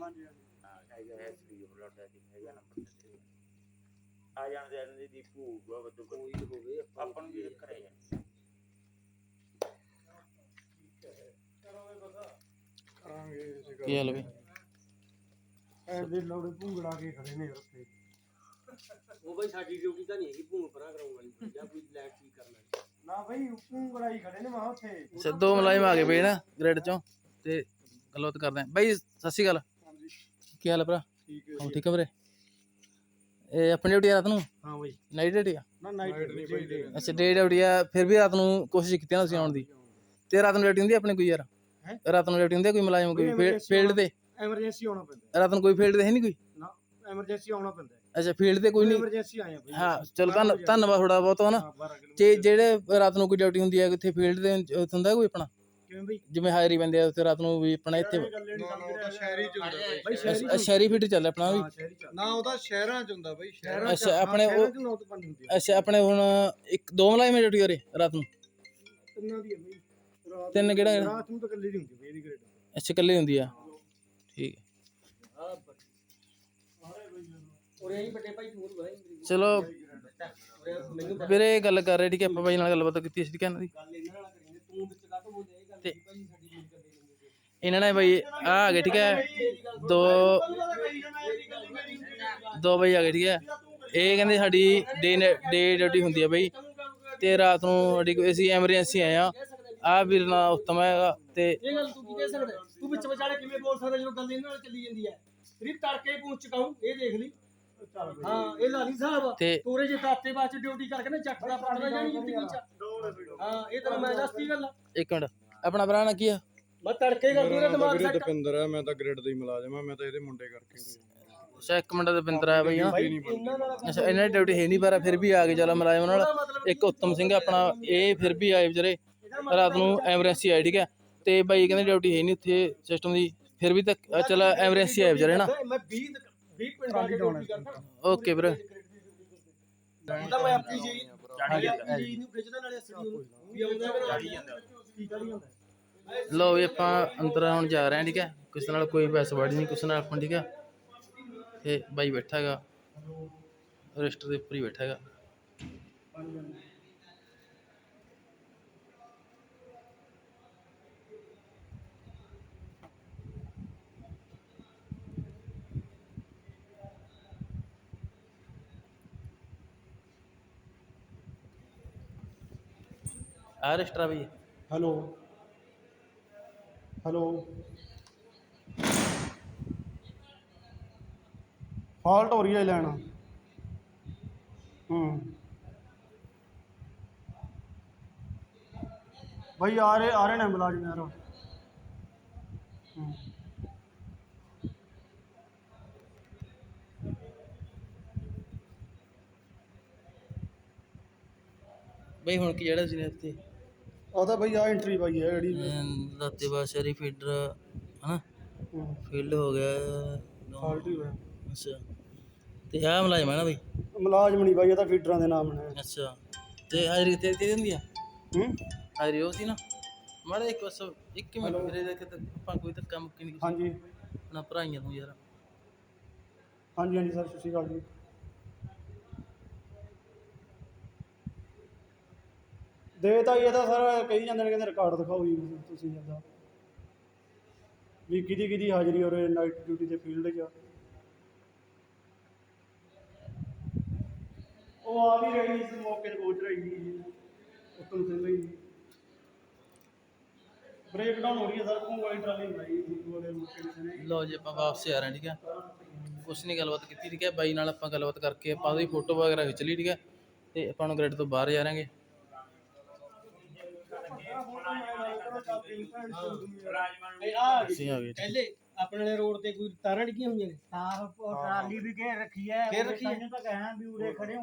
[SPEAKER 3] ਆ ਜਾਂਦੇ ਦੀਪੂ ਕੋਈ ਹੋਵੇ ਆਪਾਂ ਨੂੰ ਕੀ ਚੱਕਰ ਹੈ?
[SPEAKER 1] ਕੀ ਹਾਲ ਬਈ?
[SPEAKER 2] ਐ ਦੇ ਲੋੜੇ ਭੁੰਗੜਾ ਕੇ ਖੜੇ ਨੇ ਉੱਥੇ।
[SPEAKER 4] ਉਹ ਬਾਈ ਸਾਡੀ ਡਿਊਟੀ ਤਾਂ ਨਹੀਂ ਹੈਗੀ ਭੂਮ ਪਰਾਂ ਕਰਾਉਣ ਵਾਲੀ ਜਾਂ ਕੋਈ ਲਾਈਟ ਠੀਕ ਕਰਨ ਵਾਲੀ।
[SPEAKER 2] ਨਾ ਬਈ ਉੱਪਰ ਬੜਾਈ ਖੜੇ ਨੇ ਮੈਂ ਉੱਥੇ
[SPEAKER 1] ਸਿੱਧੋ ਮੁਲਾਜ਼ਮ ਆ ਗਏ ਬਈ ਨਾ ਗ੍ਰਿਡ ਚੋਂ ਤੇ ਗੱਲਬਾਤ ਕਰਦੇ ਆਂ ਬਾਈ। ਸਤਿ ਸ਼੍ਰੀ ਅਕਾਲ,
[SPEAKER 2] ਹਾਂਜੀ
[SPEAKER 1] ਕੀ ਹਾਲ ਹੈ ਭਰਾ?
[SPEAKER 2] ਠੀਕ
[SPEAKER 1] ਹਾਂ ਠੀਕ ਹੈ ਵੀਰੇ। ਇਹ ਆਪਣੀ ਡਿਊਟੀ ਰਾਤ ਨੂੰ
[SPEAKER 2] ਹਾਂ ਬਈ
[SPEAKER 1] ਨਾਈਟ ਡਿਊਟੀ ਆ?
[SPEAKER 2] ਨਾ ਨਾਈਟ ਨਹੀਂ ਬਈ
[SPEAKER 1] ਅੱਛਾ ਡੇ ਡਿਊਟੀ ਆ। ਫਿਰ ਵੀ ਰਾਤ ਨੂੰ ਕੋਸ਼ਿਸ਼ ਕੀਤੀ ਨਾ ਤੁਸੀਂ ਆਉਣ ਦੀ। ਤੇ ਰਾਤ ਨੂੰ ਡਿਊਟੀ ਹੁੰਦੀ ਆ ਆਪਣੇ ਕੋਈ ਯਾਰ?
[SPEAKER 2] ਹੈਂ?
[SPEAKER 1] ਰਾਤ ਨੂੰ ਡਿਊਟੀ ਹੁੰਦੀ ਆ ਕੋਈ ਮੁਲਾਜ਼ਮ ਕੋਈ
[SPEAKER 2] emergency
[SPEAKER 1] ਫੀਲਡ ਤੇ?
[SPEAKER 2] ਐਮਰਜੈਂਸੀ ਆਉਣਾ ਪੈਂਦਾ
[SPEAKER 1] ਰਾਤ ਨੂੰ ਕੋਈ ਫੀਲਡ ਤੇ ਹੈ ਨਹੀਂ ਕੋਈ?
[SPEAKER 2] ਨਾ ਐਮਰਜੈਂਸੀ ਆਉਣਾ ਪੈਂਦਾ
[SPEAKER 1] ਅੱਛਾ ਫੀਲਡ ਤੇ ਕੋਈ ਨਹੀਂ?
[SPEAKER 2] ਐਮਰਜੈਂਸੀ ਆਏ ਆ ਬਈ
[SPEAKER 1] ਹਾਂ ਚਲੋ ਧੰਨਵਾਦ ਥੋੜਾ ਬਹੁਤ ਹਨਾ।
[SPEAKER 2] 12 ਕਿਲੋ
[SPEAKER 1] ਤੇ ਜਿਹੜੇ ਰਾਤ ਨੂੰ ਕੋਈ ਡਿਊਟੀ ਹੁੰਦੀ ਹੈ ਕਿੱਥੇ ਫੀਲਡ ਤੇ ਉੱਥੇ ਹੁੰਦਾ ਕੋਈ ਆਪਣਾ
[SPEAKER 2] ਕਿਵੇਂ ਬਈ
[SPEAKER 1] ਜਿਵੇਂ ਹਾਜ਼ਰੀ ਪੈਂਦੇ ਆ ਉੱਥੇ ਰਾਤ ਨੂੰ ਵੀ ਆਪਣਾ ਇੱਥੇ
[SPEAKER 2] ਸ਼ਹਿਰੀ ਚ ਹੁੰਦਾ ਬਈ
[SPEAKER 1] ਸ਼ਹਿਰੀ ਫੀਲਡ ਚੱਲ ਆਪਣਾ ਵੀ?
[SPEAKER 2] ਸ਼ਹਿਰੀ ਚ ਨਾ ਉਹਦਾ ਸ਼ਹਿਰਾਂ ਚ ਹੁੰਦਾ ਬਈ
[SPEAKER 1] ਅੱਛਾ ਆਪਣੇ ਉਹ
[SPEAKER 2] ਨੌ ਤੋਂ 5 ਹੁੰਦੀ
[SPEAKER 1] ਅੱਛਾ ਆਪਣੇ ਹੁਣ ਇੱਕ ਦੋ ਮੁਲਾਜ਼ਮ ਡਿਊਟੀ ਕਰੇ ਰਾਤ ਨੂੰ?
[SPEAKER 2] ਤਿੰਨਾਂ ਦੀ ਹੈ ਬਈ ਰਾਤ
[SPEAKER 1] ਤਿੰਨ ਕਿਹੜਾ?
[SPEAKER 2] ਰਾਤ ਨੂੰ ਤਾਂ ਇਕੱਲੇ ਦੀ ਹੁੰਦੀ ਬਈ ਇਹਦੀ ਗ੍ਰੇਡ
[SPEAKER 1] ਅੱਛਾ ਇਕੱਲੇ ਹੁੰਦੀ ਆ, ਠੀਕ ਹੈ।
[SPEAKER 4] ਉਰੇ ਹੀ ਵੱਡੇ ਭਾਈ ਤੂੰ ਬੁਲਾਈ
[SPEAKER 1] ਚਲੋ
[SPEAKER 4] ਮੈਨੂੰ
[SPEAKER 1] ਵੀਰੇ ਗੱਲ ਕਰ ਰਹੇ ਠੀਕ ਹੈ ਆਪਾਂ ਬਾਈ ਨਾਲ ਗੱਲਬਾਤ ਕੀਤੀ ਸੀ ਠੀਕ ਹੈ ਇਹਨਾਂ ਦੀ।
[SPEAKER 4] ਗੱਲ ਇਹਨਾਂ ਨਾਲ ਕਰੀਂਗੇ ਤੂੰ ਵਿੱਚ ਕਾਹਤੋਂ ਬੋਲਿਆ ਇਹ ਗੱਲ
[SPEAKER 1] ਤੇ
[SPEAKER 4] ਭਾਈ ਸਾਡੀ ਡਿਊਟੀ ਕਰਦੇ ਨੇ।
[SPEAKER 1] ਇਹਨਾਂ ਨੇ ਬਾਈ ਆ ਗਏ ਠੀਕ ਹੈ ਦੋ ਬਾਈ ਆ ਗਏ ਠੀਕ ਹੈ। ਇਹ ਕਹਿੰਦੇ ਸਾਡੀ ਡੇ ਡਿਊਟੀ ਹੁੰਦੀ ਹੈ ਬਾਈ ਤੇ ਰਾਤ ਨੂੰ ਸਾਡੀ ਕੋਈ ਅਸੀਂ ਐਮਰਜੈਂਸੀ ਆਏ ਆ ਵੀਰ ਨਾਲ ਉੱਤਮ ਹੈਗਾ ਤੇ
[SPEAKER 4] ਇਹ ਗੱਲ ਤੂੰ ਕੀ ਕਹਿ ਸਕਦਾ? ਤੂੰ ਵਿੱਚ ਵਿਚਾਲੇ ਕਿਵੇਂ ਬੋਲ ਸਕਦਾ ਜਦੋਂ ਗੱਲ ਇਹਨਾਂ ਨਾਲ ਚੱਲੀ ਜਾਂਦੀ ਹੈ? ਸਿਰਫ ਤੜਕੇ ਪਹੁੰਚ ਚੁਕਾਉਂ ਇਹ ਦੇਖ ਲਈ। ਹਾਂ ਇਹ ਲਾਲੀ ਸਾਹਿਬ
[SPEAKER 1] ਤੇ
[SPEAKER 4] ਤੋਰੇ ਜੇ ਦਾਤੇ ਬਾਅਦ ਡਿਊਟੀ ਕਰਕੇ ਨਾ ਚੱਕ ਦਾ ਪਤਲਾ ਜਾਣੀ ਜ਼ਿੰਦਗੀ ਚ। ਹਾਂ ਇਹ ਤਾਂ ਮੈਂ ਦੱਸਦੀ ਗੱਲ।
[SPEAKER 1] ਇੱਕ ਮਿੰਟ ਆਪਣਾ ਭਰਾ ਨਾਲ ਕੀ ਆ?
[SPEAKER 4] ਮੈਂ ਤੜਕੇ ਕਰ ਦੂੰ ਦਿਮਾਗ ਸੈੱਟ।
[SPEAKER 2] ਦਪਿੰਦਰ ਹੈ ਮੈਂ ਤਾਂ ਗ੍ਰੇਡ ਦਾ ਹੀ ਮੁਲਾਜ਼ਮ ਆ ਮੈਂ ਤਾਂ ਇਹਦੇ ਮੁੰਡੇ ਕਰਕੇ
[SPEAKER 1] ਅੱਛਾ ਇੱਕ ਮਿੰਟ ਦਵਿੰਦਰ ਆ ਬਈ ਹਾਂ।
[SPEAKER 4] ਇਹਨਾਂ ਨਾਲ
[SPEAKER 1] ਅੱਛਾ ਇਹਨਾਂ ਦੀ ਡਿਊਟੀ ਹੈ ਨਹੀਂ ਪਰ ਫਿਰ ਵੀ ਆ ਗਏ ਚਲ ਮੁਲਾਜ਼ਮ ਨਾਲ। ਇੱਕ ਉੱਤਮ ਸਿੰਘ ਆਪਣਾ ਇਹ ਫਿਰ ਵੀ ਆਏ ਵਿਚਾਰੇ ਰਾਤ ਨੂੰ ਐਮਰਜੈਂਸੀ ਆਏ ਠੀਕ ਹੈ। ਤੇ ਬਾਈ ਕਹਿੰਦੇ ਡਿਊਟੀ ਹੈ ਨਹੀਂ ਉੱਥੇ ਸਿਸਟਮ ਦੀ ਫਿਰ ਵੀ ਤਾਂ ਚਲ ਐਮਰਜੈਂਸੀ ਆਏ ਵਿਚਾਰੇ ਨਾ।
[SPEAKER 4] ਮੈਂ 20 ਪਿੰਡਾਂ ਦੀ ਡਿਊਟੀ ਕਰਦਾ।
[SPEAKER 1] ਓਕੇ ਵੀਰੇ
[SPEAKER 4] ਤਾਂ ਮੈਂ ਆਪਣੀ ਜੀ ਨੂੰ ਖਿੱਚਦਾ ਨਾਲੇ ਅਸਲੀ ਨੂੰ ਵੀ ਆਉਂਦਾ ਕੀ ਕਰੀ ਜਾਂਦਾ।
[SPEAKER 1] ਲਓ ਵੀ ਆਪਾਂ ਅੰਦਰ ਹੁਣ ਜਾ ਰਹੇ ਹਾਂ ਠੀਕ ਹੈ। ਕਿਸੇ ਨਾਲ ਕੋਈ ਬਹਿਸਬਾਜ਼ੀ ਨਹੀਂ ਕਿਸੇ ਨਾਲ ਆਪਾਂ ਠੀਕ ਹੈ। ਤੇ ਬਾਈ ਬੈਠਾ ਹੈਗਾ ਰਜਿਸਟਰ ਦੇ ਉੱਪਰ ਹੀ ਬੈਠਾ ਹੈਗਾ। ਆ ਰਜਿਸਟਰ ਆ ਬਈ
[SPEAKER 2] ਹੈਲੋ ਹੈਲੋ ਫਾਲਟ ਹੋ ਰਹੀ ਹੈ ਲੈਣਾ ਭਾਈ ਆ ਰਹੇ ਨੇ ਮੁਲਾਜ਼ਮ ਯਾਰ
[SPEAKER 1] ਬਈ ਹੁਣ ਕੀ ਜਿਹੜਾ ਸੀ ਨੇ ਇੱਥੇ
[SPEAKER 2] ਉਹਦਾ ਭਾਈ ਆ ਐਂਟਰੀ ਪਾਈ ਹੈ ਜਿਹੜੀ
[SPEAKER 1] ਦਾਤੇ ਬਾਸ਼ਰੀ ਫੀਡਰ ਹਨਾ ਫੀਲਡ ਹੋ ਗਿਆ
[SPEAKER 2] ਫਾਲਟ ਹੀ ਹੋਇਆ
[SPEAKER 1] ਅੱਛਾ ਤੇ ਆਹ ਮੁਲਾਜ਼ਮ ਹੈ ਨਾ ਬਈ?
[SPEAKER 2] ਮੁਲਾਜ਼ਮ ਨਹੀਂ ਭਾਈ ਇਹ ਤਾਂ ਫੀਡਰਾਂ ਦੇ ਨਾਮ ਨੇ
[SPEAKER 1] ਅੱਛਾ ਤੇ ਹਾਜ਼ਰੀ ਕਿੱਥੇ ਦਿੱਤੀ ਹੁੰਦੀ ਆ?
[SPEAKER 2] ਹੂੰ
[SPEAKER 1] ਹਾਜ਼ਰੀ ਉਹ ਸੀ ਨਾ ਮਾੜਾ ਇੱਕ ਬਸ ਇੱਕ ਮਿੰਟ ਮੇਰੇ ਦੇ ਕਿਤੇ ਆਪਾਂ ਕੋਈ ਤਾਂ ਕੰਮ ਕੀ ਨਹੀਂ
[SPEAKER 2] ਹਾਂਜੀ
[SPEAKER 1] ਆਪਣਾ ਭਰਾਈਆਂ ਨੂੰ ਯਾਰ।
[SPEAKER 2] ਹਾਂਜੀ ਹਾਂਜੀ ਸਰ ਸਤਿ ਸ਼੍ਰੀ ਅਕਾਲ ਜੀ ਦੇ ਤਾਂ ਇਹ ਤਾਂ ਸਰ ਕਹੀ ਜਾਂਦੇ ਨੇ ਕਹਿੰਦੇ ਰਿਕਾਰਡ ਦਿਖਾਓ ਜੀ ਤੁਸੀਂ ਜਾਂਦਾ ਵੀ ਕਿਹਦੀ ਹਾਜ਼ਰੀ ਔਰ ਨਾਈਟ ਡਿਊਟੀ ਤੇ ਫੀਲਡ 'ਚ ਉਹ ਆ ਵੀ ਰਹੀ ਇਸ ਮੌਕੇ ਤੇ ਪਹੁੰਚ ਰਹੀ ਜੀ ਉੱਤਮ ਸਿੰਘ ਜੀ ਬ੍ਰੇਕ ਡਾਊਨ ਹੋ ਰਹੀ ਹੈ ਸਰ ਕੋਈ ਵਾਲੀ ਟਰਾਲੀ ਨਹੀਂ ਆਈ ਵਾਲੇ ਮੌਕੇ ਨੇ
[SPEAKER 1] ਲਓ ਜੀ ਆਪਾਂ ਵਾਪਸ ਆ ਰਹੇ ਠੀਕ ਹੈ। ਕੁਛ ਨਹੀਂ ਗੱਲਬਾਤ ਕੀਤੀ ਠੀਕ ਹੈ ਬਾਈ ਨਾਲ ਆਪਾਂ ਗੱਲਬਾਤ ਕਰਕੇ ਆਪਾਂ ਉਹਦੀ ਫੋਟੋ ਵਗੈਰਾ ਖਿੱਚ ਲਈ ਠੀਕ ਹੈ। ਤੇ ਆਪਾਂ ਨੂੰ ਗ੍ਰਿਡ ਤੋਂ ਬਾਹਰ ਜਾ ਰਾਂਗੇ। ਅਸੀਂ ਆ ਗਏ ਠੀਕ ਹੈ।
[SPEAKER 4] ਪਹਿਲੇ ਆਪਣੇ ਵਾਲੇ ਰੋਡ ਤੇ ਕੋਈ ਤਾਰਾਂ ਡਿੱਗੀਆਂ ਹੋਈਆਂ ਨੇ?
[SPEAKER 6] ਉਹ ਟਰਾਲੀ ਵੀ ਘੇਰ ਰੱਖੀ ਹੈ
[SPEAKER 4] ਘੇਰ ਰੱਖੀ ਹੈ?
[SPEAKER 6] ਤਾਂ ਕਹਿਆ ਵੀ ਉਰੇ ਖੜੇ